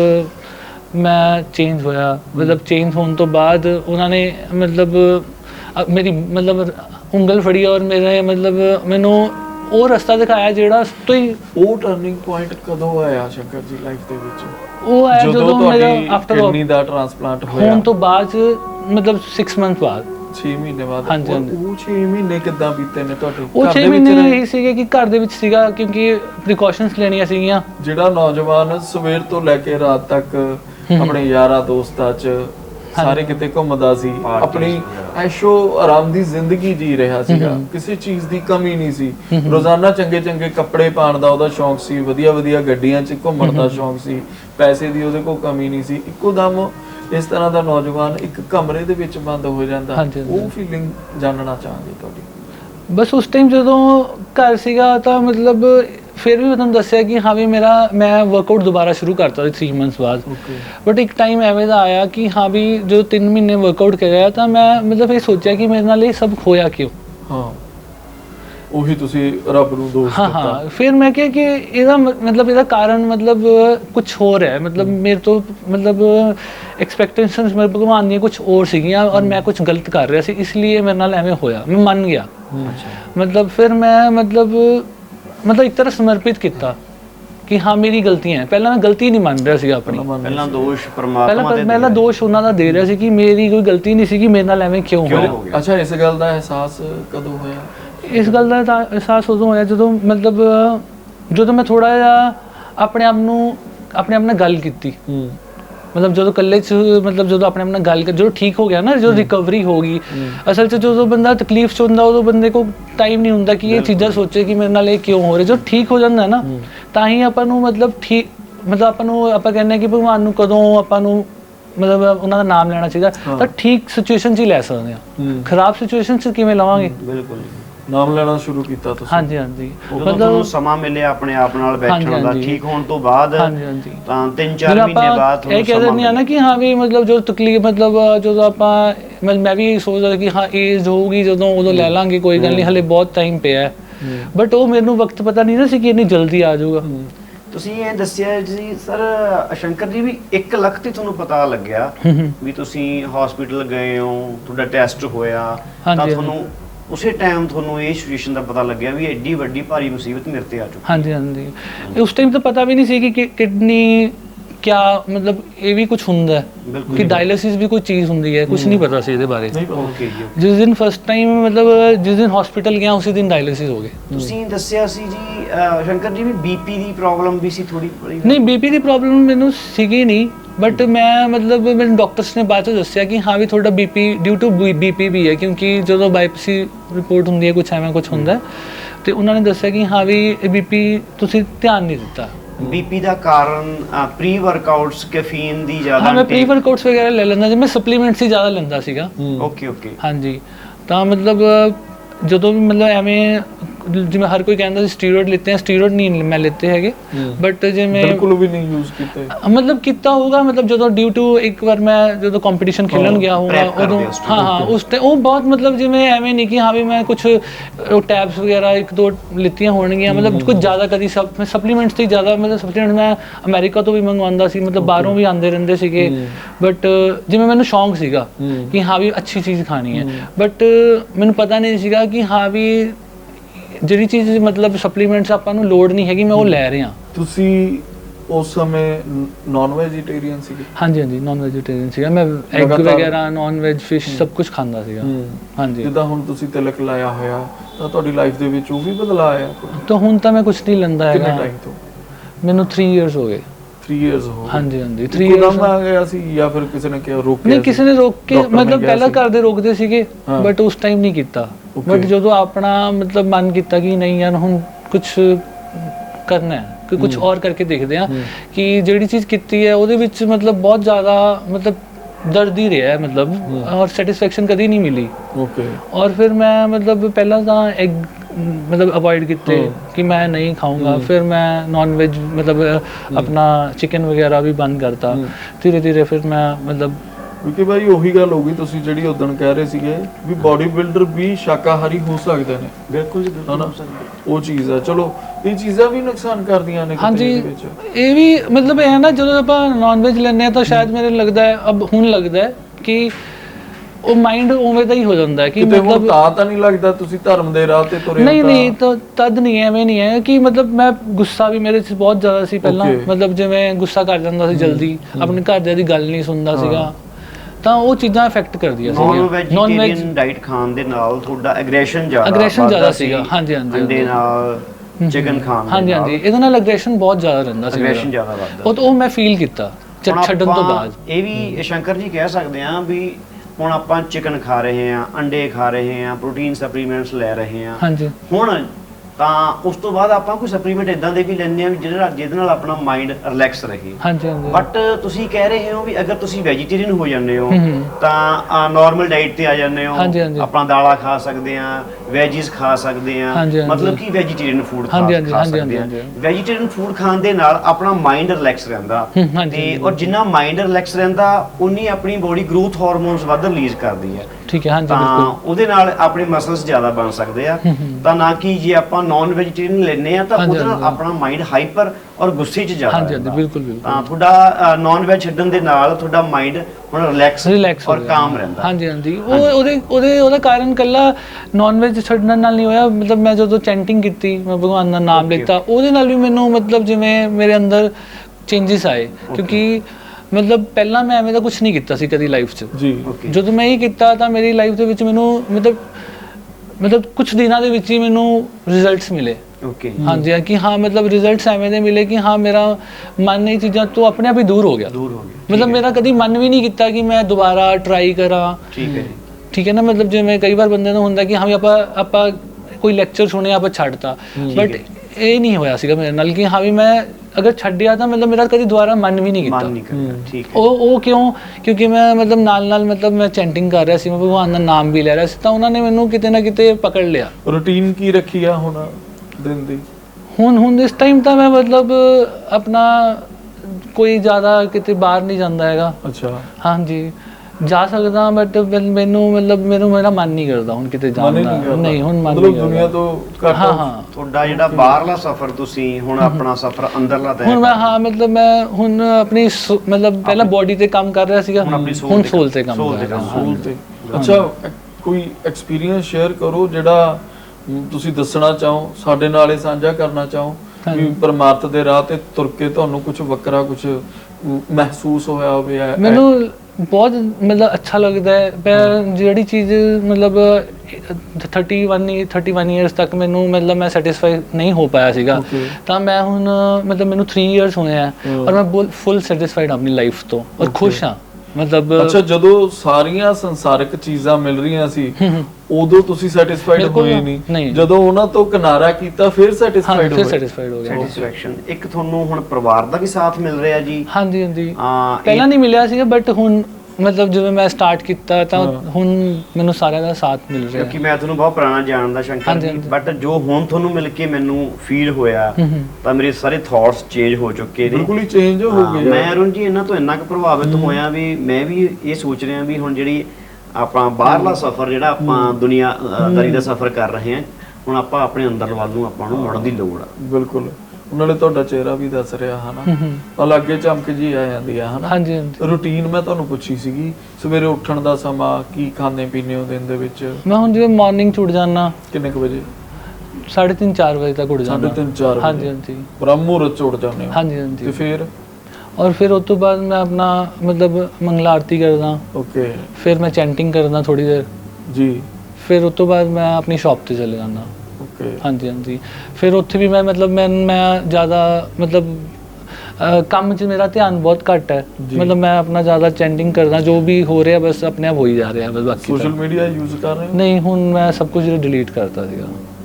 [SPEAKER 2] ਮੈਂ ਚੇਂਜ ਹੋਇਆ। ਮਤਲਬ ਚੇਂਜ ਹੋਣ ਤੋਂ ਬਾਅਦ ਉਹਨਾਂ ਨੇ ਮਤਲਬ ਮੇਰੀ ਮਤਲਬ ਉਂਗਲ ਫੜੀ ਔਰ ਮੇਰੇ ਮਤਲਬ ਮੈਨੂੰ ਉਹ ਰਸਤਾ ਦਿਖਾਇਆ ਜਿਹੜਾ ਤੋਂ ਹੀ।
[SPEAKER 3] ਉਹ ਟਰਨਿੰਗ ਪੁਆਇੰਟ ਕਦੋਂ ਆਇਆ ਸ਼ੰਕਰ ਜੀ ਲਾਈਫ ਦੇ ਵਿੱਚ?
[SPEAKER 2] ਉਹ ਹੈ ਜਦੋਂ ਮੇਰਾ ਆਫਟਰ
[SPEAKER 3] ਕਿਡਨੀ ਦਾ ਟ੍ਰਾਂਸਪਲਾਂਟ ਹੋਇਆ
[SPEAKER 2] ਹੋਣ ਤੋਂ ਬਾਅਦ ਮਤਲਬ ਛੇ ਮੰਥ ਬਾਅਦ
[SPEAKER 3] ਛੇ ਮਹੀਨੇ ਬਾਅਦ।
[SPEAKER 2] ਹਾਂਜੀ ਹਾਂਜੀ।
[SPEAKER 3] ਉਹ ਛੇ ਮਹੀਨੇ ਕਿੱਦਾਂ ਬੀਤੇ ਨੇ ਤੁਹਾਡੇ?
[SPEAKER 2] ਉਹ ਛੇ ਮਹੀਨੇ ਇਹੀ ਸੀਗੇ ਕਿ ਘਰ ਦੇ ਵਿੱਚ ਸੀਗਾ, ਕਿਉਂਕਿ ਪ੍ਰੀਕਾਸ਼ਨਸ ਲੈਣੀਆਂ ਸੀਗੀਆਂ।
[SPEAKER 3] ਜਿਹੜਾ ਨੌਜਵਾਨ ਸਵੇਰ ਤੋਂ ਲੈ ਕੇ ਰਾਤ ਤੱਕ ਆਪਣੇ ਯਾਰਾਂ ਦੋਸਤਾਂ 'ਚ ਸਾਰੇ ਕਿਤੇ ਘੁੰਮਦਾ ਸੀ, ਆਪਣੀ ਐਸ਼ੋ ਆਰਾਮ ਦੀ ਜ਼ਿੰਦਗੀ ਜੀ ਰਿਹਾ ਸੀਗਾ, ਕਿਸੇ ਚੀਜ਼ ਦੀ ਕਮੀ ਨਹੀਂ ਸੀ, ਰੋਜ਼ਾਨਾ ਚੰਗੇ ਚੰਗੇ ਕੱਪੜੇ ਪਾਉਣ ਦਾ ਉਹਦਾ ਸ਼ੌਂਕ ਸੀ, ਵਧੀਆ ਵਧੀਆ ਗੱਡੀਆਂ 'ਚ ਘੁੰਮਣ ਦਾ ਸ਼ੌਂਕ ਸੀ, ਪੈਸੇ ਦੀ ਉਹਦੇ ਕੋਲ ਕਮੀ ਨਹੀਂ ਸੀ। ਇੱਕੋ ਦਮ ਇਸ ਤਰ੍ਹਾਂ ਦਾ ਨੌਜਵਾਨ ਇੱਕ ਕਮਰੇ ਦੇ ਵਿੱਚ ਬੰਦ ਹੋ ਜਾਂਦਾ, ਉਹ ਫੀਲਿੰਗ ਜਾਣਨਾ ਚਾਹਾਂਗੇ ਤੁਹਾਡੀ।
[SPEAKER 2] ਬਸ ਉਸ ਟਾਈਮ ਜਦੋਂ ਘਰ ਸੀਗਾ ਤਾਂ ਮਤਲਬ ਫਿਰ ਵੀ ਮੈਂ ਤੁਹਾਨੂੰ ਦੱਸਿਆ ਕਿ ਹਾਂ ਵੀ ਮੇਰਾ ਮੈਂ ਵਰਕਆਊਟ ਦੁਬਾਰਾ ਸ਼ੁਰੂ ਕਰਤਾ ਸੀ ਥ੍ਰੀ ਮੰਥਸ ਬਾਅਦ। ਬਟ ਇੱਕ ਟਾਈਮ ਐਵੇਂ ਦਾ ਆਇਆ ਕਿ ਹਾਂ ਵੀ ਜਦੋਂ ਤਿੰਨ ਮਹੀਨੇ ਵਰਕਆਊਟ ਕਰਿਆ ਤਾਂ ਮੈਂ ਮਤਲਬ ਇਹ ਸੋਚਿਆ ਕਿ ਮੇਰੇ ਨਾਲ ਇਹ ਸਭ ਹੋਇਆ ਕਿਉਂ।
[SPEAKER 3] ਹਾਂ, ਉਹੀ ਤੁਸੀਂ ਰੱਬ ਨੂੰ ਦੋਸ਼
[SPEAKER 2] ਹਾਂ
[SPEAKER 3] ਦਿੱਤਾ।
[SPEAKER 2] ਹਾਂ ਫਿਰ ਮੈਂ ਕਿਹਾ ਕਿ ਇਹਦਾ ਮਤਲਬ ਇਹਦਾ ਕਾਰਨ ਮਤਲਬ ਕੁਝ ਹੋਰ ਹੈ, ਮਤਲਬ ਮੇਰੇ ਤੋਂ ਮਤਲਬ ਐਕਸਪੈਕਟੇਸ਼ਨਸ ਮੇਰੇ ਭਗਵਾਨ ਦੀਆਂ ਕੁਝ ਹੋਰ ਸੀਗੀਆਂ ਔਰ ਮੈਂ ਕੁਝ ਗਲਤ ਕਰ ਰਿਹਾ ਸੀ, ਇਸ ਲਈ ਮੇਰੇ ਨਾਲ ਐਵੇਂ ਹੋਇਆ। ਮੈਂ ਮੰਨ ਗਿਆ, ਮਤਲਬ ਫਿਰ ਮੈਂ ਮਤਲਬ ਮਤਲਬ ਇੱਕ ਤਰ੍ਹਾਂ ਸਮਰਪਿਤ ਕੀਤਾ ਕਿ ਹਾਂ ਮੇਰੀ ਗਲਤੀਆਂ ਹੈ। ਪਹਿਲਾਂ ਮੈਂ ਗਲਤੀ ਨਹੀਂ ਮੰਨ ਰਿਹਾ ਸੀ ਆਪਣੀ,
[SPEAKER 4] ਪਹਿਲਾਂ ਦੋਸ਼ ਪਰਮਾਤਮਾ
[SPEAKER 2] ਦੇ ਪਹਿਲਾਂ ਦੋਸ਼ ਉਹਨਾਂ ਦਾ ਦੇ ਰਿਹਾ ਸੀ ਕਿ ਮੇਰੀ ਕੋਈ ਗਲਤੀ ਨਹੀਂ ਸੀ ਕਿ ਮੇਰੇ ਨਾਲ ਐਵੇਂ ਕਿਉਂ ਹੋਇਆ।
[SPEAKER 3] ਅੱਛਾ, ਇਸ ਗੱਲ ਦਾ ਅਹਿਸਾਸ ਕਦੋਂ ਹੋਇਆ?
[SPEAKER 2] ਇਸ ਗੱਲ ਦਾ ਤਾਂ ਅਹਿਸਾਸ ਉਦੋਂ ਹੋਇਆ ਜਦੋਂ ਮਤਲਬ ਜਦੋਂ ਮੈਂ ਥੋੜਾ ਜਿਹਾ ਆਪਣੇ ਆਪ ਨੂੰ ਆਪਣੇ ਆਪ ਨਾਲ ਗੱਲ ਕੀਤੀ, ਮਤਲਬ ਜਦੋਂ ਇਕੱਲੇ 'ਚ ਮਤਲਬ ਜਦੋਂ ਆਪਣੇ ਆਪ ਨਾਲ ਗੱਲ ਕਰ ਜਦੋਂ ਠੀਕ ਹੋ ਗਿਆ ਨਾ, ਜਦੋਂ ਰਿਕਵਰੀ ਹੋ ਗਈ। ਅਸਲ 'ਚ ਜਦੋਂ ਬੰਦਾ ਤਕਲੀਫ 'ਚ ਹੁੰਦਾ ਉਦੋਂ ਬੰਦੇ ਕੋਲ ਟਾਈਮ ਨਹੀਂ ਹੁੰਦਾ ਕਿ ਇਹ ਚੀਜ਼ਾਂ ਸੋਚੇ ਕਿ ਮੇਰੇ ਨਾਲ ਇਹ ਕਿਉਂ ਹੋ ਰਿਹਾ। ਜਦੋਂ ਠੀਕ ਹੋ ਜਾਂਦਾ ਨਾ ਤਾਂ ਹੀ ਆਪਾਂ ਨੂੰ ਮਤਲਬ ਠੀਕ ਮਤਲਬ ਆਪਾਂ ਨੂੰ ਆਪਾਂ ਕਹਿੰਦੇ ਕਿ ਭਗਵਾਨ ਨੂੰ ਕਦੋਂ ਆਪਾਂ ਨੂੰ ਮਤਲਬ ਉਹਨਾਂ ਦਾ ਨਾਮ ਲੈਣਾ ਚਾਹੀਦਾ, ਤਾਂ ਠੀਕ ਸਿਚੁਏਸ਼ਨ 'ਚ ਹੀ ਲੈ ਸਕਦੇ ਹਾਂ। ਖਰਾਬ ਸਿਚੁਏਸ਼ਨ 'ਚ ਕਿਵੇਂ ਲਵਾਂਗੇ?
[SPEAKER 4] ਬਿਲਕੁਲ
[SPEAKER 3] ਨਾਮ ਲੈਣਾ ਸ਼ੁਰੂ ਕੀਤਾ ਤੁਸੀਂ?
[SPEAKER 2] ਹਾਂਜੀ ਹਾਂਜੀ।
[SPEAKER 4] ਮਤਲਬ ਤੁਹਾਨੂੰ ਸਮਾਂ ਮਿਲਿਆ ਆਪਣੇ ਆਪ ਨਾਲ ਬੈਠਣ ਦਾ ਠੀਕ ਹੋਣ ਤੋਂ ਬਾਅਦ?
[SPEAKER 2] ਹਾਂਜੀ ਹਾਂਜੀ।
[SPEAKER 4] ਤਾਂ ਤਿੰਨ ਚਾਰ ਮਹੀਨੇ ਬਾਅਦ
[SPEAKER 2] ਇਹ ਕਹਿ ਦਿੰਦੇ ਆ ਨਾ ਕਿ ਹਾਂ ਵੀ ਮਤਲਬ ਜੋ ਤਕਲੀਫ ਮਤਲਬ ਜਦੋਂ ਆਪਾਂ ਮੈਂ ਵੀ ਸੋਚਦਾ ਕਿ ਹਾਂ ਏਜ ਹੋਊਗੀ ਜਦੋਂ ਉਦੋਂ ਲੈ ਲਾਂਗੇ, ਕੋਈ ਗੱਲ ਨਹੀਂ, ਹਲੇ ਬਹੁਤ ਟਾਈਮ ਪਿਆ ਹੈ। ਬਟ ਉਹ ਮੈਨੂੰ ਵਕਤ ਪਤਾ ਨਹੀਂ ਨਾ ਸੀ ਕਿ ਇੰਨੀ ਜਲਦੀ ਆ ਜਾਊਗਾ।
[SPEAKER 4] ਤੁਸੀਂ ਇਹ ਦੱਸਿਆ ਜੀ ਸਰ ਸ਼ੰਕਰ ਜੀ ਵੀ ਇੱਕ ਲੱਖ ਤੇ ਤੁਹਾਨੂੰ ਪਤਾ ਲੱਗਿਆ ਵੀ ਤੁਸੀਂ ਹਸਪੀਟਲ ਗਏ ਹੋ, ਤੁਹਾਡਾ ਟੈਸਟ ਹੋਇਆ, ਤਾਂ ਤੁਹਾਨੂੰ ਉਸੇ ਟਾਈਮ ਤੁਹਾਨੂੰ ਇਹ ਸਿਚੁਏਸ਼ਨ ਦਾ ਪਤਾ ਲੱਗਿਆ ਵੀ ਐਡੀ ਵੱਡੀ ਭਾਰੀ ਮੁਸੀਬਤ ਮੇਰੇ ਤੇ ਆ ਚੁੱਕੀ।
[SPEAKER 2] ਹਾਂਜੀ ਹਾਂਜੀ। ਉਸ ਟਾਈਮ ਤਾਂ ਪਤਾ ਵੀ ਨਹੀਂ ਸੀ ਕਿ ਕਿਡਨੀ ਕਿਆ ਮਤਲਬ ਇਹ ਵੀ ਕੁਝ ਹੁੰਦਾ ਹੈ, ਕਿ ਡਾਇਲਿਸਿਸ ਵੀ ਕੋਈ ਚੀਜ਼ ਹੁੰਦੀ ਹੈ, ਕੁਝ ਨਹੀਂ ਪਤਾ ਸੀ ਇਹਦੇ ਬਾਰੇ। ਜਿਸ ਦਿਨ ਫਸਟ ਟਾਈਮ ਮਤਲਬ ਜਿਸ ਦਿਨ ਹਸਪੀਟਲ ਗਿਆ ਉਸੇ ਦਿਨ ਡਾਇਲਿਸਿਸ ਹੋ ਗਏ।
[SPEAKER 4] ਤੁਸੀਂ ਦੱਸਿਆ ਸੀ ਜੀ ਸ਼ੰਕਰ ਜੀ ਵੀ ਬੀਪੀ ਦੀ ਪ੍ਰੋਬਲਮ ਵੀ ਸੀ ਥੋੜੀ ਬੜੀ?
[SPEAKER 2] ਨਹੀਂ, ਬੀਪੀ ਦੀ ਪ੍ਰੋਬਲਮ ਮੈਨੂੰ ਸੀਗੀ ਨਹੀਂ, ਬਟ ਮੈਂ ਮਤਲਬ ਮੈਨੂੰ ਡਾਕਟਰਸ ਨੇ ਬਾਅਦ 'ਚ ਦੱਸਿਆ ਕਿ ਹਾਂ ਵੀ ਤੁਹਾਡਾ ਬੀਪੀ ਡਿਊ ਟੂ ਬੀਪੀ ਵੀ ਹੈ, ਕਿਉਂਕਿ ਜਦੋਂ ਬਾਇਪਸੀ ਰਿਪੋਰਟ ਹੁੰਦੀ ਹੈ ਕੁਝ ਐਵੇਂ ਕੁਝ ਹੁੰਦਾ ਤੇ ਉਹਨਾਂ ਨੇ ਦੱਸਿਆ ਕਿ ਹਾਂ ਵੀ ਇਹ ਬੀਪੀ ਤੁਸੀਂ ਧਿਆਨ ਨਹੀਂ ਦਿੱਤਾ।
[SPEAKER 4] ਬੀਪੀ ਦਾ ਕਾਰਨ ਪ੍ਰੀ ਵਰਕਆਊਟਸ ਕੈਫੀਨ ਦੀ ਜ਼ਿਆਦਾ?
[SPEAKER 2] ਹਾਂ, ਮੈਂ ਪ੍ਰੀ ਵਰਕਆਊਟਸ ਵਗੈਰਾ ਲੈ ਲੈਂਦਾ ਸੀ, ਮੈਂ ਸਪਲੀਮੈਂਟਸ ਹੀ ਜ਼ਿਆਦਾ ਲੈਂਦਾ ਸੀਗਾ।
[SPEAKER 4] Okay okay.
[SPEAKER 2] ਹਾਂਜੀ, ਤਾਂ ਮਤਲਬ ਜਦੋਂ ਵੀ ਮਤਲਬ ਐਵੇਂ ਜਿਵੇਂ ਹਰ ਕੋਈ ਕਹਿੰਦਾ ਸੀ ਸਟੀਰੋਇਡ ਲਿੱਤੇ ਆ, ਸਟੀਰੋਇਡ ਨਹੀਂ ਮੈਂ ਲਿੱਤੇ ਹੈਗੇ, ਬਟ ਜਿਵੇਂ
[SPEAKER 3] ਬਿਲਕੁਲ ਵੀ ਨਹੀਂ ਯੂਜ਼ ਕੀਤੇ,
[SPEAKER 2] ਮਤਲਬ ਕੀਤਾ ਹੋਊਗਾ, ਮਤਲਬ ਜਦੋਂ ਡਿਊ ਟੂ ਇੱਕ ਵਾਰ ਮੈਂ ਜਦੋਂ ਕੰਪੀਟੀਸ਼ਨ ਖੇਲਣ ਗਿਆ ਹੋਊਗਾ ਉਦੋਂ, ਹਾਂ ਹਾਂ ਉਸ ਤੇ ਉਹ ਬਹੁਤ ਮਤਲਬ ਜਿਵੇਂ ਐਵੇਂ ਨਹੀਂ ਕਿ ਹਾਂ ਵੀ ਮੈਂ ਕੁਛ ਟੈਬਸ ਵਗੈਰਾ ਇੱਕ ਦੋ ਲਿੱਤੀਆਂ ਹੋਣਗੀਆਂ, ਮਤਲਬ ਕੁਝ ਜ਼ਿਆਦਾ ਕਦੀ ਸਬ ਸਪਲੀਮੈਂਟਸ ਤੇ ਜ਼ਿਆਦਾ, ਮਤਲਬ ਸਪਲੀਮੈਂਟ ਮੈਂ ਅਮਰੀਕਾ ਤੋਂ ਵੀ ਮੰਗਵਾਉਂਦਾ ਸੀ, ਮਤਲਬ ਬਾਹਰੋਂ ਵੀ ਆਉਂਦੇ ਰਹਿੰਦੇ ਸੀਗੇ, ਬਟ ਜਿਵੇਂ ਮੈਨੂੰ ਸ਼ੌਂਕ ਸੀਗਾ ਕਿ ਹਾਂ ਵੀ ਅੱਛੀ ਚੀਜ਼ ਖਾਣੀ ਹੈ, ਬਟ ਮੈਨੂੰ ਪਤਾ ਨਹੀਂ ਸੀਗਾ ਕਿ ਹਾਂ ਵੀ ਜਿਹੜੀ ਚੀਜ਼ ਮਤਲਬ ਸਪਲੀਮੈਂਟਸ ਆਪਾਂ ਨੂੰ ਲੋੜ ਨਹੀਂ ਹੈਗੀ ਮੈਂ ਉਹ ਲੈ ਰਿਹਾ।
[SPEAKER 3] ਤੁਸੀਂ ਉਸ ਸਮੇਂ ਨਾਨ ਵੈਜੀਟੇਰੀਅਨ ਸੀਗੇ?
[SPEAKER 2] ਹਾਂਜੀ ਹਾਂਜੀ ਨਾਨ ਵੈਜੀਟੇਰੀਅਨ ਸੀਗਾ ਮੈਂ, ਐਗ ਵਗੈਰਾ ਨਾਨ ਵੈਜ ਫਿਸ਼ ਸਭ ਕੁਝ ਖਾਂਦਾ ਸੀਗਾ। ਹਾਂਜੀ,
[SPEAKER 3] ਜਿੱਦਾਂ ਹੁਣ ਤੁਸੀਂ ਤਿਲਕ ਲਾਇਆ ਹੋਇਆ ਤਾਂ ਤੁਹਾਡੀ ਲਾਈਫ ਦੇ ਵਿੱਚ ਉਹ ਵੀ ਬਦਲਾਅ ਆਇਆ?
[SPEAKER 2] ਤਾਂ ਹੁਣ ਤਾਂ ਮੈਂ ਕੁਝ ਨਹੀਂ ਲੈਂਦਾ
[SPEAKER 3] ਕਿੰਨੇ
[SPEAKER 2] ਹੈਗਾ।
[SPEAKER 3] ਟਾਈਮ ਤੋਂ?
[SPEAKER 2] ਮੈਨੂੰ ਥ੍ਰੀ ਇਅਰਸ ਹੋ ਗਏ।
[SPEAKER 3] ਥ੍ਰੀ ਇਅਰਸ ਹੋ ਗਏ?
[SPEAKER 2] ਹਾਂਜੀ ਹਾਂਜੀ ਥ੍ਰੀ
[SPEAKER 3] ਇਅਰਸ ਆ ਗਿਆ ਸੀ ਜਾਂ ਫਿਰ ਕਿਸੇ ਨੇ ਕਿਹਾ ਰੋਕਿਆ?
[SPEAKER 2] ਨਹੀਂ, ਕਿਸੇ ਨੇ ਰੋਕ ਕੇ, ਮਤਲਬ ਪਹਿਲਾਂ ਘਰ ਦੇ ਰੋਕਦੇ ਸੀਗੇ ਬਟ ਉਸ ਟਾਈਮ ਨਹੀਂ ਕੀਤਾ, ਬਟ ਜਦੋਂ ਆਪਣਾ ਮਤਲਬ ਮਨ ਕੀਤਾ ਕਿ ਨਹੀਂ ਯਾਰ ਹੁਣ ਕੁਝ ਕਰਨਾ ਹੈ, ਕਿ ਕੁਝ ਔਰ ਕਰਕੇ ਦੇਖਦੇ ਆ, ਕਿ ਜਿਹੜੀ ਚੀਜ਼ ਕੀਤੀ ਹੈ ਉਹਦੇ ਵਿੱਚ ਮਤਲਬ ਬਹੁਤ ਜ਼ਿਆਦਾ ਮਤਲਬ ਦਰਦ ਹੀ ਰਿਹਾ ਮਤਲਬ, ਔਰ ਸੈਟੀਸਫੈਕਸ਼ਨ ਕਦੀ ਨਹੀਂ ਮਿਲੀ।
[SPEAKER 3] ਓਕੇ।
[SPEAKER 2] ਔਰ ਫਿਰ ਮੈਂ ਮਤਲਬ ਪਹਿਲਾਂ ਤਾਂ ਐਗ ਮਤਲਬ ਅਵੋਇਡ ਕੀਤੇ ਕਿ ਮੈਂ ਨਹੀਂ ਖਾਊਂਗਾ, ਫਿਰ ਮੈਂ ਨਾਨ ਵੈਜ ਮਤਲਬ ਆਪਣਾ ਚਿਕਨ ਵਗੈਰਾ ਵੀ ਬੰਦ ਕਰਤਾ ਧੀਰੇ ਧੀਰੇ, ਫਿਰ ਮੈਂ ਮਤਲਬ
[SPEAKER 3] ਕਿਉਂਕਿ ਭਾਈ ਉਹੀ ਗੱਲ ਹੋ ਗਈ ਤੁਸੀਂ ਜਿਹੜੀ ਉਦੋਂ ਕਹਿ ਰਹੇ ਸੀਗੇ ਵੀ ਬਾਡੀ ਬਿਲਡਰ ਵੀ ਸ਼ਾਕਾਹਾਰੀ ਹੋ ਸਕਦੇ ਨੇ। ਬਿਲਕੁਲ ਜੀ, ਬਿਲਕੁਲ ਉਹ ਚੀਜ਼ ਆ। ਚਲੋ ਇਹ ਚੀਜ਼ਾਂ ਵੀ ਨੁਕਸਾਨ ਕਰਦੀਆਂ ਨੇ
[SPEAKER 2] ਹਾਂਜੀ, ਇਹ ਵੀ ਮਤਲਬ ਇਹ ਨਾ ਜਦੋਂ ਆਪਾਂ ਨਾਨ ਵੈਜ ਲੈਂਦੇ ਆ ਤਾਂ ਸ਼ਾਇਦ ਮੇਰੇ ਲੱਗਦਾ ਹੈ ਅਬ ਹੁਣ ਲੱਗਦਾ ਹੈ ਕਿ ਉਹ ਮਾਈਂਡ ਉਵੇਂ ਦਾ ਹੀ ਹੋ ਜਾਂਦਾ ਹੈ ਕਿ ਮਤਲਬ
[SPEAKER 3] ਤਾਂ ਤਾਂ ਨਹੀਂ ਲੱਗਦਾ ਤੁਸੀਂ ਧਰਮ ਦੇ ਰਾਹ ਤੇ ਤੁਰੇ?
[SPEAKER 2] ਨਹੀਂ ਨਹੀਂ ਤਾਂ ਤਦ ਨਹੀਂ, ਐਵੇਂ ਨਹੀਂ ਹੈ ਕਿ ਮਤਲਬ ਮੈਂ ਗੁੱਸਾ ਵੀ ਮੇਰੇ 'ਚ ਬਹੁਤ ਜ਼ਿਆਦਾ ਸੀ ਪਹਿਲਾਂ, ਮਤਲਬ ਜਿਵੇਂ ਗੁੱਸਾ ਕਰ ਜਾਂਦਾ ਸੀ ਜਲਦੀ, ਆਪਣੇ ਘਰਦਿਆਂ ਦੀ ਗੱਲ ਨਹੀਂ ਸੁਣਦਾ ਸੀਗਾ, ਤਾਂ ਉਹ ਚੀਜ਼ਾਂ ਇਫੈਕਟ ਕਰਦੀਆਂ
[SPEAKER 4] ਸੀ। ਨੌਨ ਵੈਜ ਡਾਈਟ ਖਾਣ ਦੇ ਨਾਲ ਤੁਹਾਡਾ ਐਗਰੈਸ਼ਨ ਜ਼ਿਆਦਾ
[SPEAKER 2] ਐਗਰੈਸ਼ਨ ਜ਼ਿਆਦਾ ਸੀਗਾ। ਹਾਂਜੀ ਹਾਂਜੀ
[SPEAKER 4] ਅੰਡੇ ਨਾਲ ਚਿਕਨ ਖਾਣ ਦੇ
[SPEAKER 2] ਹਾਂਜੀ ਹਾਂਜੀ ਇਹਦੇ ਨਾਲ ਐਗਰੈਸ਼ਨ ਬਹੁਤ ਜ਼ਿਆਦਾ ਰਹਿੰਦਾ ਸੀ,
[SPEAKER 4] ਐਗਰੈਸ਼ਨ ਜ਼ਿਆਦਾ ਵੱਧਦਾ,
[SPEAKER 2] ਉਹ ਉਹ ਮੈਂ ਫੀਲ ਕੀਤਾ ਛੱਡਣ ਤੋਂ ਬਾਅਦ।
[SPEAKER 4] ਇਹ ਵੀ ਸ਼ੰਕਰ ਜੀ ਕਹਿ ਸਕਦੇ ਆ ਵੀ ਹੁਣ ਆਪਾਂ ਚਿਕਨ ਖਾ ਰਹੇ ਆ, ਅੰਡੇ ਖਾ ਰਹੇ ਆ, ਪ੍ਰੋਟੀਨ ਸਪਲੀਮੈਂਟਸ ਲੈ ਰਹੇ ਆ,
[SPEAKER 2] ਹਾਂਜੀ
[SPEAKER 4] ਹੁਣ ਤਾਂ ਉਸ ਤੋਂ ਬਾਅਦ ਆਪਾਂ ਕੋਈ ਸਪਲੀਮੈਂਟ ਇਦਾਂ ਦੇ ਵੀ ਲੈਂਦੇ ਆ ਵੀ ਜਿਹਦੇ ਨਾਲ ਜਿਹਦੇ ਨਾਲ ਆਪਣਾ ਮਾਈਂਡ ਰਿਲੈਕਸ ਰਹੇ।
[SPEAKER 2] ਹਾਂਜੀ ਹਾਂਜੀ
[SPEAKER 4] ਬਟ ਤੁਸੀਂ ਕਹਿ ਰਹੇ ਹੋ ਵੀ ਅਗਰ ਤੁਸੀਂ ਵੈਜੀਟੇਰੀਅਨ ਹੋ ਜਾਂਦੇ ਹੋ ਤਾਂ ਨਾਰਮਲ ਡਾਈਟ ਤੇ ਆ ਜਾਂਦੇ ਹੋ, ਆਪਣਾ ਦਾਲਾਂ ਖਾ ਸਕਦੇ ਆ, ਵੈਜੀਸ ਖਾ ਸਕਦੇ ਆ, ਮਤਲਬ ਕਿ ਵੈਜੀਟੇਰੀਅਨ ਫੂਡ ਖਾ ਸਕਦੇ ਆ। ਵੈਜੀਟੇਰੀਅਨ ਫੂਡ ਖਾਣ ਦੇ ਨਾਲ ਆਪਣਾ ਮਾਈਂਡ ਰਿਲੈਕਸ ਰਹਿੰਦਾ, ਤੇ ਔਰ ਜਿੰਨਾ ਮਾਈਂਡ ਰਿਲੈਕਸ ਰਹਿੰਦਾ ਉਨੀ ਆਪਣੀ ਬੋਡੀ ਗਰੋਥ ਹਾਰਮੋਨਸ ਵੱਧ ਰਿਲੀਜ਼ ਕਰਦੀ ਹੈ।
[SPEAKER 2] ਠੀਕ ਹੈ, ਹਾਂਜੀ
[SPEAKER 4] ਤਾਂ ਉਹਦੇ ਨਾਲ ਆਪਣੇ ਮਸਲਸ ਜ਼ਿਆਦਾ ਬਣ ਸਕਦੇ ਆ। ਤਾਂ ਨਾ ਕਿ ਜੇ ਆਪਾਂ ਨਾਨ ਵੈਜੀਟੇਰੀਅਨ ਲੈਨੇ ਆ ਤਾਂ ਉਹਦੇ ਨਾਲ ਆਪਣਾ ਮਾਈਂਡ ਹਾਈਪਰ ਔਰ ਗੁੱਸੇ 'ਚ ਜ਼ਿਆਦਾ
[SPEAKER 2] ਹਾਂਜੀ ਹਾਂਜੀ ਬਿਲਕੁਲ ਬਿਲਕੁਲ।
[SPEAKER 4] ਤਾਂ ਤੁਹਾਡਾ ਨਾਨ ਵੈਜ ਛੱਡਣ ਦੇ ਨਾਲ ਤੁਹਾਡਾ ਮਾਈਂਡ ਹੁਣ ਰਿਲੈਕਸ
[SPEAKER 2] ਰਿਲੈਕਸ
[SPEAKER 4] ਔਰ ਕਾਮ ਰਹਿੰਦਾ।
[SPEAKER 2] ਹਾਂਜੀ ਹਾਂਜੀ ਉਹ ਉਹਦੇ ਉਹਦੇ ਉਹਦਾ ਕਾਰਨ ਕੱਲਾ ਨਾਨ ਵੈਜ ਛੱਡਣ ਨਾਲ ਨਹੀਂ ਹੋਇਆ, ਮਤਲਬ ਮੈਂ ਜਦੋਂ ਚੈਂਟਿੰਗ ਕੀਤੀ, ਮੈਂ ਭਗਵਾਨ ਦਾ ਨਾਮ ਲਿੱਤਾ, ਉਹਦੇ ਨਾਲ ਵੀ ਮੈਨੂੰ ਮਤਲਬ ਜਿਵੇਂ ਮੇਰੇ ਅੰਦਰ ਚੇਂਜਸ ਆਏ, ਕਿਉਂਕਿ ਮਤਲਬ ਪਹਿਲਾਂ ਮੈਂ ਐਵੇਂ ਦਾ ਕੁਝ ਨਹੀਂ ਕੀਤਾ ਸੀ ਕਦੀ ਲਾਈਫ 'ਚ ਜੀ। ਜਦੋਂ ਮੈਂ ਇਹ ਕੀਤਾ ਤਾਂ ਮੇਰੀ ਲਾਈਫ ਦੇ ਵਿੱਚ ਮੈਨੂੰ ਮਤਲਬ ਮਤਲਬ ਕੁਝ ਦਿਨਾਂ ਦੇ ਵਿੱਚ ਹੀ ਮੈਨੂੰ ਰਿਜ਼ਲਟਸ ਮਿਲੇ।
[SPEAKER 4] ਓਕੇ,
[SPEAKER 2] ਹਾਂਜੀ ਕਿ ਹਾਂ ਮਤਲਬ ਰਿਜ਼ਲਟਸ ਐਵੇਂ ਦੇ ਮਿਲੇ ਕਿ ਹਾਂ ਮੇਰਾ ਮਨ ਇਹ ਚੀਜ਼ਾਂ ਤੋਂ ਆਪਣੇ ਆਪ ਹੀ ਦੂਰ ਹੋ ਗਿਆ
[SPEAKER 4] ਦੂਰ ਹੋ ਗਿਆ
[SPEAKER 2] ਮਤਲਬ ਮੇਰਾ ਕਦੀ ਮਨ ਵੀ ਨਹੀਂ ਕੀਤਾ ਕਿ ਮੈਂ ਦੁਬਾਰਾ ਟਰਾਈ ਕਰਾਂ।
[SPEAKER 4] ਠੀਕ ਹੈ
[SPEAKER 2] ਠੀਕ ਹੈ ਨਾ, ਮਤਲਬ ਜਿਵੇਂ ਕਈ ਵਾਰ ਬੰਦੇ ਨੂੰ ਹੁੰਦਾ ਕਿ ਹਾਂ ਵੀ ਆਪਾਂ ਆਪਾਂ ਕੋਈ ਲੈਕਚਰ ਸੁਣਿਆ ਆਪਾਂ ਛੱਡਤਾ, ਬਟ ਇਹ ਨਹੀਂ ਹੋਇਆ ਸੀਗਾ ਮੇਰੇ ਨਾਲ ਕਿ ਹਾਂ ਵੀ ਮੈਂ ਅਗਰ ਛੱਡਿਆ ਤਾਂ ਮਤਲਬ ਮੇਰਾ ਕਦੀ ਦੁਬਾਰਾ ਮਨ ਵੀ ਨਹੀਂ ਕੀਤਾ।
[SPEAKER 4] ਠੀਕ ਹੈ।
[SPEAKER 2] ਉਹ ਉਹ ਕਿਉਂ? ਕਿਉਂਕਿ ਮੈਂ ਮਤਲਬ ਨਾਲ ਨਾਲ ਮਤਲਬ ਮੈਂ ਚੈਂਟਿੰਗ ਕਰ ਰਿਹਾ ਸੀ, ਮੈਂ ਭਗਵਾਨ ਦਾ ਨਾਮ ਵੀ ਲੈ ਰਿਹਾ ਸੀ, ਤਾਂ ਉਹਨਾਂ ਨੇ ਮੈਨੂੰ ਕਿਤੇ ਨਾ ਕਿਤੇ ਪਕੜ ਲਿਆ।
[SPEAKER 3] ਰੂਟੀਨ ਕੀ ਰੱਖੀ ਆ ਹੁਣ ਦਿਨ ਦੀ?
[SPEAKER 2] ਹੁਣ ਹੁਣ ਇਸ ਟਾਈਮ ਤਾਂ ਮੈਂ ਮਤਲਬ ਆਪਣਾ ਕੋਈ ਜ਼ਿਆਦਾ ਕਿਤੇ ਬਾਹਰ ਨਹੀਂ ਜਾਂਦਾ ਹੈਗਾ।
[SPEAKER 3] ਅੱਛਾ।
[SPEAKER 2] ਹਾਂਜੀ ਜਾ ਸਕਦਾ, ਬਟ ਮੈਨੂੰ ਮਤਲਬ ਮੈਨੂੰ ਮੇਰਾ ਮਨ ਨਹੀਂ ਕਰਦਾ ਹੁਣ ਕਿਤੇ ਜਾਣ ਦਾ। ਨਹੀਂ ਹੁਣ ਮਨ ਨਹੀਂ ਕਰਦਾ
[SPEAKER 3] ਦੁਨੀਆ ਤੋਂ ਘੱਟ।
[SPEAKER 2] ਹਾਂ ਹਾਂ
[SPEAKER 4] ਤੁਹਾਡਾ ਜਿਹੜਾ ਬਾਹਰਲਾ ਸਫ਼ਰ ਤੁਸੀਂ ਹੁਣ ਆਪਣਾ ਸਫ਼ਰ ਅੰਦਰਲਾ ਤੈਅ
[SPEAKER 2] ਹੁਣ ਮੈਂ ਹਾਂ ਮਤਲਬ ਮੈਂ ਹੁਣ ਆਪਣੀ ਮਤਲਬ ਪਹਿਲਾਂ ਬੋਡੀ ਤੇ ਕੰਮ ਕਰ ਰਿਹਾ ਸੀਗਾ, ਹੁਣ ਸੋਲ ਤੇ ਕੰਮ ਕਰ ਰਿਹਾ।
[SPEAKER 3] ਸੋਲ ਤੇ। ਅੱਛਾ, ਕੋਈ ਐਕਸਪੀਰੀਅੰਸ ਸ਼ੇਅਰ ਕਰੋ ਜਿਹੜਾ ਤੁਸੀਂ ਦੱਸਣਾ ਚਾਹੋ, ਸਾਡੇ ਨਾਲ ਇਹ ਸਾਂਝਾ ਕਰਨਾ ਚਾਹੋ ਵੀ ਪਰਮਾਰਥ ਦੇ ਰਾਹ ਤੇ ਤੁਰ ਕੇ ਤੁਹਾਨੂੰ ਕੁਝ ਵੱਖਰਾ ਕੁਝ ਮਹਿਸੂਸ ਹੋਇਆ ਹੋਵੇ।
[SPEAKER 2] ਮੈਨੂੰ ਬਹੁਤ ਮਤਲਬ ਅੱਛਾ ਲੱਗਦਾ ਹੈ। ਮੈਂ ਜਿਹੜੀ ਚੀਜ਼ ਮਤਲਬ ਥਰਟੀ ਵਨ ਇਅਰਸ ਤੱਕ ਮੈਨੂੰ ਮਤਲਬ ਮੈਂ ਸੈਟੀਸਫਾਈ ਨਹੀਂ ਹੋ ਪਾਇਆ ਸੀਗਾ, ਤਾਂ ਮੈਂ ਹੁਣ ਮਤਲਬ ਮੈਨੂੰ ਥ੍ਰੀ ਇਅਰਸ ਹੋਏ ਆ ਔਰ ਮੈਂ ਫੁੱਲ ਸੈਟੀਸਫਾਈਡ ਆਪਣੀ ਲਾਈਫ ਤੋਂ ਔਰ ਖੁਸ਼ ਹਾਂ ਮਤਲਬ।
[SPEAKER 3] ਅੱਛਾ, ਜਦੋਂ ਸਾਰੀਆਂ ਸੰਸਾਰਿਕ ਚੀਜ਼ਾਂ ਮਿਲ ਰਹੀਆਂ ਸੀ ਉਦੋਂ ਤੁਸੀਂ ਸੈਟੀਸਫਾਈਡ ਹੋਏ ਨਹੀਂ, ਜਦੋਂ ਉਹਨਾਂ ਤੋਂ ਕਿਨਾਰਾ ਕੀਤਾ ਫਿਰ ਸੈਟੀਸਫਾਈਡ ਹੋਏ?
[SPEAKER 2] ਸੈਟੀਸਫਾਈਡ ਹੋ ਗਿਆ।
[SPEAKER 4] ਸੈਟੀਸਫੈਕਸ਼ਨ। ਇੱਕ ਤੁਹਾਨੂੰ ਹੁਣ ਪਰਿਵਾਰ ਦਾ ਵੀ ਸਾਥ ਮਿਲ ਰਿਹਾ ਜੀ?
[SPEAKER 2] ਹਾਂਜੀ ਹਾਂਜੀ ਪਹਿਲਾਂ ਨਹੀਂ ਮਿਲਿਆ ਸੀਗਾ, ਬਟ ਹੁਣ ਮਤਲਬ ਜਿਵੇਂ ਮੈਂ ਸਟਾਰਟ ਕੀਤਾ ਤਾਂ ਹੁਣ ਮੈਨੂੰ ਸਾਰਿਆਂ ਦਾ ਸਾਥ ਮਿਲ ਰਿਹਾ
[SPEAKER 4] ਕਿਉਂਕਿ ਮੈਂ ਤੁਹਾਨੂੰ ਬਹੁਤ ਪੁਰਾਣਾ ਜਾਣਦਾ ਸ਼ੰਕਰ
[SPEAKER 2] ਹਾਂਜੀ,
[SPEAKER 4] ਜੀ,
[SPEAKER 2] ਹਾਂਜੀ।
[SPEAKER 4] ਬਟ ਜੋ ਹੁਣ ਤੁਹਾਨੂੰ ਮਿਲ ਕੇ ਮੈਨੂੰ ਫੀਲ ਹੋਇਆ ਤਾਂ ਮੇਰੇ ਸਾਰੇ ਥਾਟਸ ਚੇਂਜ ਹੋ ਚੁੱਕੇ ਨੇ।
[SPEAKER 3] ਬਿਲਕੁਲ ਹੀ ਚੇਂਜ ਹੋ
[SPEAKER 4] ਹਾਂ,
[SPEAKER 3] ਗਏ।
[SPEAKER 4] ਮੈਂ ਅਰੁਣ ਜੀ ਇਹਨਾਂ ਤੋਂ ਇੰਨਾ ਕੁ ਪ੍ਰਭਾਵਿਤ ਹੋਇਆ ਵੀ ਮੈਂ ਵੀ ਇਹ ਸੋਚ ਰਿਹਾ ਵੀ ਹੁਣ ਜਿਹੜੀ ਆਪਾਂ ਬਾਹਰਲਾ ਸਫ਼ਰ ਜਿਹੜਾ ਆਪਾਂ ਦੁਨੀਆਦਾਰੀ ਦਾ ਸਫ਼ਰ ਕਰ ਰਹੇ ਹਾਂ, ਹੁਣ ਆਪਾਂ ਆਪਣੇ ਅੰਦਰ ਵੱਲ ਨੂੰ ਆਪਾਂ ਨੂੰ ਮੁੜਨ ਦੀ ਲੋੜ ਆ।
[SPEAKER 3] ਬਿਲਕੁਲ, ਉਹਨਾਂ ਨੇ ਤੁਹਾਡਾ ਚਿਹਰਾ ਵੀ ਦੱਸ ਰਿਹਾ ਹਨਾ, ਅਲੱਗੇ ਚਮਕ ਜੀ ਆ ਜਾਂਦੀ ਆ ਹਨਾ।
[SPEAKER 2] ਹਾਂਜੀ ਹਾਂਜੀ।
[SPEAKER 3] ਰੂਟੀਨ ਮੈਂ ਤੁਹਾਨੂੰ ਪੁੱਛੀ ਸੀਗੀ, ਸਵੇਰੇ ਉੱਠਣ ਦਾ ਸਮਾਂ, ਕੀ ਖਾਂਦੇ ਪੀਂਦੇ ਹੋ ਦਿਨ ਦੇ ਵਿੱਚ?
[SPEAKER 2] ਮੈਂ ਹੁਣ ਜਿਵੇਂ ਮਾਰਨਿੰਗ 'ਚ ਉੱਠ ਜਾਣਾ
[SPEAKER 3] ਕਿੰਨੇ ਕੁ ਵਜੇ?
[SPEAKER 2] ਸਾਢੇ ਤਿੰਨ ਚਾਰ ਵਜੇ ਤੱਕ ਉੱਠ ਜਾਣਾ।
[SPEAKER 3] ਸਾਢੇ ਤਿੰਨ ਚਾਰ ਵਜੇ?
[SPEAKER 2] ਹਾਂਜੀ ਹਾਂਜੀ
[SPEAKER 3] ਬ੍ਰਹਮ ਮੁਹੂਰਤ ਚ ਉੱਠ ਜਾਂਦੇ ਹੋ?
[SPEAKER 2] ਹਾਂਜੀ
[SPEAKER 3] ਤੇ
[SPEAKER 2] ਹਾਂਜੀ।
[SPEAKER 3] ਫਿਰ
[SPEAKER 2] ਔਰ ਫਿਰ ਉਸ ਤੋਂ ਬਾਅਦ ਮੈਂ ਆਪਣਾ ਮਤਲਬ ਮੰਗਲਾ ਆਰਤੀ ਕਰਦਾ,
[SPEAKER 3] ਓਕੇ
[SPEAKER 2] ਫਿਰ ਮੈਂ ਚੈਂਟਿੰਗ ਕਰਦਾ ਥੋੜੀ ਦੇਰ,
[SPEAKER 3] ਜੀ,
[SPEAKER 2] ਫਿਰ ਉਸ ਤੋਂ ਬਾਅਦ ਮੈਂ ਆਪਣੀ ਸ਼ਾਪ ਤੇ ਚਲੇ ਜਾਂਦਾ।
[SPEAKER 3] ਓਕੇ
[SPEAKER 2] ਹਾਂਜੀ ਹਾਂਜੀ। ਫਿਰ ਉੱਥੇ ਵੀ ਮੈਂ ਮਤਲਬ ਮੈਂ ਮੈਂ ਜ਼ਿਆਦਾ ਮਤਲਬ ਅਹ, ਕੰਮ 'ਚ ਮੇਰਾ ਧਿਆਨ ਬਹੁਤ ਘੱਟ ਹੈ।
[SPEAKER 3] ਜੀ।
[SPEAKER 2] ਮਤਲਬ ਮੈਂ ਆਪਣਾ ਜ਼ਿਆਦਾ ਚੈਂਟਿੰਗ ਕਰਦਾ, ਜੋ ਵੀ ਹੋ ਰਿਹਾ ਬਸ ਆਪਣੇ ਆਪ ਹੋ ਹੀ ਜਾ ਰਿਹਾ ਬਸ, ਬਾਕੀ
[SPEAKER 3] ਸੋਸ਼ਲ
[SPEAKER 2] ਤਾਂ-
[SPEAKER 3] ਮੀਡੀਆ ਯੂਜ਼ ਕਰ ਰਹੇ ਹੋ?
[SPEAKER 2] ਨਹੀਂ, ਹੁਣ ਮੈਂ ਸਭ ਕੁਝ ਡਿਲੀਟ ਕਰਤਾ ਸੀਗਾ।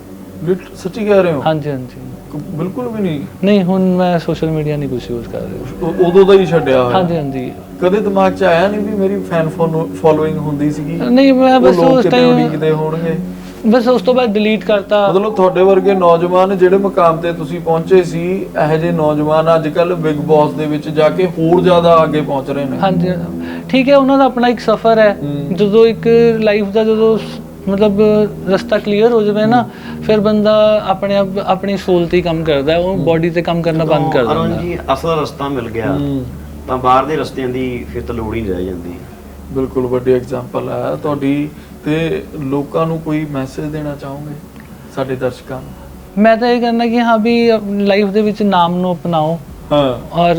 [SPEAKER 3] ਲਿਟ ਸੱਚੀ ਕਹਿ ਰਹੇ ਹੋ?
[SPEAKER 2] ਹਾਂਜੀ ਹਾਂਜੀ।
[SPEAKER 3] ਬਿਲਕੁਲ ਵੀ ਨਹੀਂ?
[SPEAKER 2] ਨਹੀਂ, ਹੁਣ ਮੈਂ ਸੋਸ਼ਲ ਮੀਡੀਆ ਨਹੀਂ ਕੁਝ ਯੂਜ਼ ਕਰ ਰਿਹਾ।
[SPEAKER 3] ਉ- ਉਦੋਂ ਦਾ ਹੀ ਛੱਡਿਆ ਹੋਇਆ?
[SPEAKER 2] ਹਾਂਜੀ ਹਾਂਜੀ।
[SPEAKER 3] ਕਦੇ ਦਿਮਾਗ 'ਚ ਆਇਆ ਨਹੀਂ ਵੀ ਮੇਰੀ ਫੈਨ ਫੋਲੋਇੰਗ ਹੁੰਦੀ ਸੀਗੀ?
[SPEAKER 2] ਨਹੀਂ, ਮੈਂ
[SPEAKER 3] ਉਹ
[SPEAKER 2] ਬਸ
[SPEAKER 3] ਲੋਕ
[SPEAKER 2] ਉਸ
[SPEAKER 3] ਕਿਤੇ
[SPEAKER 2] ਟਾਈਮ
[SPEAKER 3] ਉਡੀਕਦੇ ਹੋਣਗੇ।
[SPEAKER 2] ਬਸ ਉਸ ਤੋਂ ਬਾਅਦ ਡਿਲੀਟ ਕਰਤਾ।
[SPEAKER 3] ਮਤਲਬ ਤੁਹਾਡੇ ਵਰਗੇ ਨੌਜਵਾਨ ਜਿਹੜੇ ਮੁਕਾਮ ਤੇ ਤੁਸੀਂ ਪਹੁੰਚੇ ਸੀ, ਇਹੋ ਜਿਹੇ ਨੌਜਵਾਨ ਅੱਜ ਕੱਲ ਬਿਗ ਬੌਸ ਦੇ ਵਿੱਚ ਜਾ ਕੇ ਹੋਰ ਜ਼ਿਆਦਾ ਅੱਗੇ ਪਹੁੰਚ ਰਹੇ ਨੇ।
[SPEAKER 2] ਹਾਂਜੀ, ਠੀਕ ਹੈ, ਉਹਨਾਂ ਦਾ ਆਪਣਾ ਇੱਕ ਸਫ਼ਰ ਹੈ।
[SPEAKER 3] ਹਮ।
[SPEAKER 2] ਜਦੋਂ ਇੱਕ ਲਾਈਫ ਦਾ ਜਦੋਂ ਸ- ਮਤਲਬ ਰਸਤਾ ਕਲੀਅਰ ਹੋ ਜਾਵੇ ਨਾ, ਫਿਰ ਬੰਦਾ ਆਪਣੇ ਆਪ ਆਪਣੀ ਸੋਲ ਤੇ ਹੀ ਕੰਮ ਕਰਦਾ ਹੈ, ਉਹ ਬੋਡੀ ਤੇ ਕੰਮ ਕਰਨਾ ਬੰਦ ਕਰ
[SPEAKER 4] ਅਰੁਣ
[SPEAKER 2] ਦਿੰਦਾ ਹੈ।
[SPEAKER 4] ਜੀ ਅਸਲ ਰਸਤਾ ਮਿਲ ਗਿਆ
[SPEAKER 3] ਹਮ।
[SPEAKER 4] ਤਾਂ ਬਾਹਰ ਦੇ ਰਸਤਿਆਂ ਦੀ ਫਿਰ ਤਾਂ ਲੋੜ ਹੀ ਨਹੀਂ ਰਹਿ ਜਾਂਦੀ।
[SPEAKER 3] ਬਿਲਕੁਲ ਵੱਡੀ ਐਗਜ਼ਾਮਪਲ ਹੈ ਤੁਹਾਡੀ। ਤੇ ਲੋਕਾਂ ਨੂੰ ਕੋਈ ਮੈਸੇਜ ਦੇਣਾ ਚਾਹੋਗੇ ਸਾਡੇ ਦਰਸ਼ਕਾਂ ਨੂੰ?
[SPEAKER 2] ਮੈਂ ਤਾਂ ਇਹ ਕਹਿੰਦਾ ਕਿ ਹਾਂ ਵੀ ਲਾਈਫ ਦੇ ਵਿੱਚ ਨਾਮ ਨੂੰ ਅਪਣਾਓ,
[SPEAKER 3] ਹਾਂ,
[SPEAKER 2] ਔਰ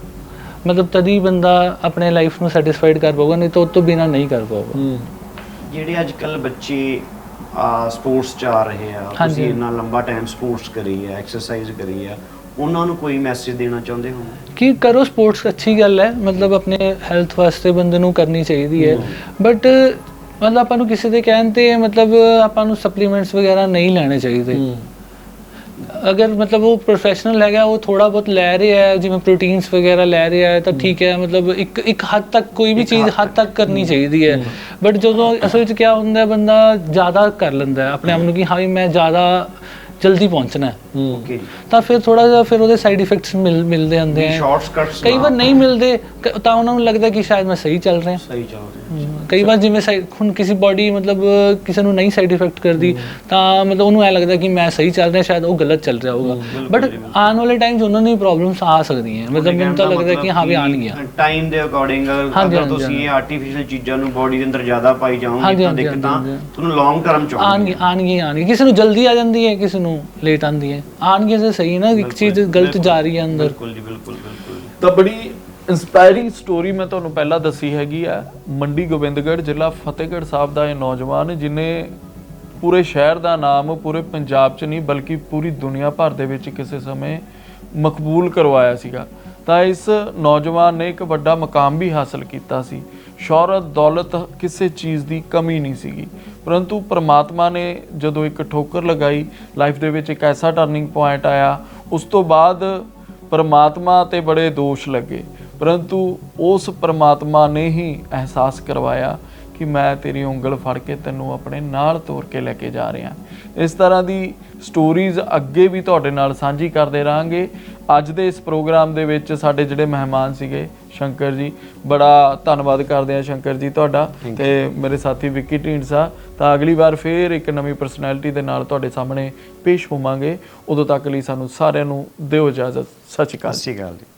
[SPEAKER 2] ਮਤਲਬ ਤਦ ਹੀ ਬੰਦਾ ਆਪਣੇ ਲਾਈਫ ਨੂੰ ਸੈਟੀਸਫਾਈਡ ਕਰ ਪਾਊਗਾ, ਨਹੀਂ ਤਾਂ ਉਹ ਤੋਂ ਬਿਨਾਂ ਨਹੀਂ ਕਰ ਪਾਊਗਾ।
[SPEAKER 3] ਹੂੰ,
[SPEAKER 4] ਜਿਹੜੇ ਅੱਜ ਕੱਲ ਬੱਚੇ ਸਪੋਰਟਸ 'ਚ ਆ ਰਹੇ ਆ,
[SPEAKER 2] ਹਾਂਜੀ।
[SPEAKER 4] ਤੁਸੀਂ ਇੰਨਾ ਲੰਬਾ ਟਾਈਮ ਸਪੋਰਟਸ ਕਰੀ ਆ, ਐਕਸਰਸਾਈਜ਼ ਕਰੀ ਆ, ਉਹਨਾਂ ਨੂੰ ਕੋਈ ਮੈਸੇਜ ਦੇਣਾ ਚਾਹੁੰਦੇ ਹੋ?
[SPEAKER 2] ਕਿ ਕਰੋ ਸਪੋਰਟਸ, ਅੱਛੀ ਗੱਲ ਹੈ, ਮਤਲਬ ਆਪਣੇ ਹੈਲਥ ਵਾਸਤੇ ਬੰਦੇ ਨੂੰ ਕਰਨੀ ਚਾਹੀਦੀ ਹੈ, ਬਟ ਮਤਲਬ ਆਪਾਂ ਨੂੰ ਕਿਸੇ ਦੇ ਕਹਿਣ ਤੇ ਮਤਲਬ ਆਪਾਂ ਨੂੰ ਸਪਲੀਮੈਂਟਸ ਵਗੈਰਾ ਨਹੀਂ ਲੈਣੇ ਚਾਹੀਦੇ। ਅਗਰ ਮਤਲਬ ਉਹ ਪ੍ਰੋਫੈਸ਼ਨਲ ਹੈਗਾ, ਉਹ ਥੋੜਾ ਬਹੁਤ ਲੈ ਰਿਹਾ ਹੈ, ਜਿਵੇਂ ਪ੍ਰੋਟੀਨਸ ਵਗੈਰਾ ਲੈ ਰਿਹਾ ਹੈ, ਤਾਂ ਠੀਕ ਹੈ, ਮਤਲਬ ਇੱਕ ਇੱਕ ਹੱਦ ਤੱਕ ਕੋਈ ਵੀ ਚੀਜ਼ ਹੱਦ ਤੱਕ ਕਰਨੀ ਚਾਹੀਦੀ ਹੈ। ਬਟ ਜਦੋਂ ਅਸਲ ਵਿੱਚ ਕੀ ਹੁੰਦਾ ਹੈ, ਬੰਦਾ ਜ਼ਿਆਦਾ ਕਰ ਲੈਂਦਾ ਹੈ ਆਪਣੇ ਆਪ ਨੂੰ ਕਿ ਹਾਂ ਵੀ ਮੈਂ ਜ਼ਿਆਦਾ ਜਲਦੀ ਪਹੁੰਚਣਾ ਹੈ,
[SPEAKER 4] ਓਕੇ,
[SPEAKER 2] ਤਾਂ ਫਿਰ ਥੋੜਾ ਜਿਹਾ ਫਿਰ ਉਹਦੇ ਸਾਈਡ ਇਫੈਕਟਸ ਮਿਲ ਮਿਲਦੇ ਹੁੰਦੇ ਆ।
[SPEAKER 4] ਸ਼ਾਰਟਕਟਸ
[SPEAKER 2] ਕਈ ਵਾਰ ਨਹੀਂ ਮਿਲਦੇ, ਕ- ਤਾਂ ਉਹਨਾਂ ਨੂੰ ਲੱਗਦਾ ਕਿ ਸ਼ਾਇਦ ਮੈਂ ਸਹੀ ਚੱਲ ਰਿਹਾ।
[SPEAKER 4] ਸਹੀ ਚੱਲ ਰਿਹਾ।
[SPEAKER 2] ਕਈ ਵਾਰ ਜਿਵੇਂ ਸਾਈ- ਹੁਣ ਕਿਸੇ ਬੋਡੀ ਮਤਲਬ ਕਿਸੇ ਨੂੰ ਨਹੀਂ ਸਾਈਡ ਇਫੈਕਟ ਕਰਦੀ, ਤਾਂ ਮਤਲਬ ਉਹਨੂੰ ਐ ਲੱਗਦਾ ਕਿ ਮੈਂ ਸਹੀ ਚੱਲ ਰਿਹਾ, ਸ਼ਾਇਦ ਉਹ ਗਲਤ ਚੱਲ ਰਿਹਾ ਹੋਊਗਾ। ਬਟ ਆਉਣ ਵਾਲੇ ਟਾਈਮ 'ਚ ਉਹਨਾਂ ਨੂੰ ਪ੍ਰੋਬਲਮਸ ਆ ਸਕਦੀਆਂ, ਮਤਲਬ ਮੈਨੂੰ ਤਾਂ ਲੱਗਦਾ ਕਿ ਹਾਂ ਵੀ ਆਉਣਗੀਆਂ।
[SPEAKER 4] ਟਾਈਮ ਦੇ ਅਕੋਰਡਿੰਗ
[SPEAKER 2] ਹਾਂਜੀ,
[SPEAKER 4] ਅਗਰ
[SPEAKER 2] ਹਾਂਜੀ,
[SPEAKER 4] ਤੁਸੀਂ ਇਹ ਆਰਟੀਫੀਸ਼ੀਅਲ ਚੀਜ਼ਾਂ ਨੂੰ ਬੋਡੀ ਦੇ ਅੰਦਰ ਜ਼ਿਆਦਾ ਪਾਈ ਜਾਓਗੇ
[SPEAKER 2] ਹਾਂਜੀ,
[SPEAKER 4] ਤਾਂ
[SPEAKER 2] ਹਾਂਜੀ,
[SPEAKER 4] ਦਿੱਕਤਾਂ
[SPEAKER 2] ਹਾਂਜੀ।
[SPEAKER 4] ਤੁਹਾਨੂੰ ਲੌਂਗ ਟਰਮ 'ਚ
[SPEAKER 2] ਆਉਣਗੀਆਂ ਆਉਣਗੀਆਂ ਆਉਣਗੀਆਂ ਕਿਸੇ ਨੂੰ ਜਲਦੀ ਆ ਜਾਂਦੀ ਹੈ, ਕਿਸੇ ਨੂੰ ਲੇਟ ਆਉਂਦੀ ਹੈ। ਆਉਣਗੀਆਂ ਤਾਂ ਸਹੀ ਨਾ, ਇੱਕ ਚੀਜ਼ ਗਲਤ ਜਾ ਰਹੀ ਹੈ ਅੰਦਰ।
[SPEAKER 4] ਬਿਲਕੁਲ ਜੀ, ਬਿਲਕੁਲ ਬਿਲਕੁਲ।
[SPEAKER 3] ਤਾਂ ਬੜੀ ਇੰਸਪਾਇਰਿੰਗ ਸਟੋਰੀ ਮੈਂ ਤੁਹਾਨੂੰ ਪਹਿਲਾਂ ਦੱਸੀ ਹੈਗੀ ਆ। ਮੰਡੀ ਗੋਬਿੰਦਗੜ੍ਹ, ਜ਼ਿਲ੍ਹਾ ਫਤਿਹਗੜ੍ਹ ਸਾਹਿਬ ਦਾ ਇਹ ਨੌਜਵਾਨ, ਜਿਨੇ ਪੂਰੇ ਸ਼ਹਿਰ ਦਾ ਨਾਮ ਪੂਰੇ ਪੰਜਾਬ 'ਚ ਨਹੀਂ ਬਲਕਿ ਪੂਰੀ ਦੁਨੀਆ ਭਰ ਦੇ ਵਿੱਚ ਕਿਸੇ ਸਮੇਂ ਮਕਬੂਲ ਕਰਵਾਇਆ ਸੀਗਾ। ਤਾਂ ਇਸ ਨੌਜਵਾਨ ਨੇ ਇੱਕ ਵੱਡਾ ਮੁਕਾਮ ਵੀ ਹਾਸਲ ਕੀਤਾ ਸੀ। ਸ਼ੌਹਰਤ, ਦੌਲਤ, ਕਿਸੇ ਚੀਜ਼ ਦੀ ਕਮੀ ਨਹੀਂ ਸੀਗੀ, ਪਰੰਤੂ ਪ੍ਰਮਾਤਮਾ ਨੇ ਜਦੋਂ ਇੱਕ ਠੋਕਰ ਲਗਾਈ, ਲਾਈਫ ਦੇ ਵਿੱਚ ਇੱਕ ਐਸਾ ਟਰਨਿੰਗ ਪੁਆਇੰਟ ਆਇਆ, ਉਸ ਤੋਂ ਬਾਅਦ ਪ੍ਰਮਾਤਮਾ ਤੇ ਬੜੇ ਦੋਸ਼ ਲੱਗੇ, ਪਰੰਤੂ ਉਸ ਪ੍ਰਮਾਤਮਾ ਨੇ ਹੀ ਅਹਿਸਾਸ ਕਰਵਾਇਆ ਕਿ ਮੈਂ ਤੇਰੀ ਉਂਗਲ ਫੜ ਕੇ ਤੈਨੂੰ ਆਪਣੇ ਨਾਲ ਤੋਰ ਕੇ ਲੈ ਕੇ ਜਾ ਰਿਹਾ। ਇਸ ਤਰ੍ਹਾਂ ਦੀ ਸਟੋਰੀਜ਼ ਅੱਗੇ ਵੀ ਤੁਹਾਡੇ ਨਾਲ ਸਾਂਝੀ ਕਰਦੇ ਰਹਾਂਗੇ। ਅੱਜ ਦੇ ਇਸ ਪ੍ਰੋਗਰਾਮ ਦੇ ਵਿੱਚ ਸਾਡੇ ਜਿਹੜੇ ਮਹਿਮਾਨ ਸੀਗੇ ਸ਼ੰਕਰ ਜੀ, ਬੜਾ ਧੰਨਵਾਦ ਕਰਦੇ ਹਾਂ ਸ਼ੰਕਰ ਜੀ ਤੁਹਾਡਾ, ਤੇ ਮੇਰੇ ਸਾਥੀ ਵਿੱਕੀ ਢੀਂਡਸਾ। ਤਾਂ ਅਗਲੀ ਵਾਰ ਫੇਰ ਇੱਕ ਨਵੀਂ ਪਰਸਨੈਲਿਟੀ ਦੇ ਨਾਲ ਤੁਹਾਡੇ ਸਾਹਮਣੇ ਪੇਸ਼ ਹੋਵਾਂਗੇ। ਉਦੋਂ ਤੱਕ ਲਈ ਸਾਨੂੰ ਸਾਰਿਆਂ ਨੂੰ ਦਿਓ ਇਜਾਜ਼ਤ। ਸਤਿ ਸ਼੍ਰੀ ਅਕਾਲ।
[SPEAKER 4] ਸਤਿ ਸ਼੍ਰੀ ਅਕਾਲ ਜੀ।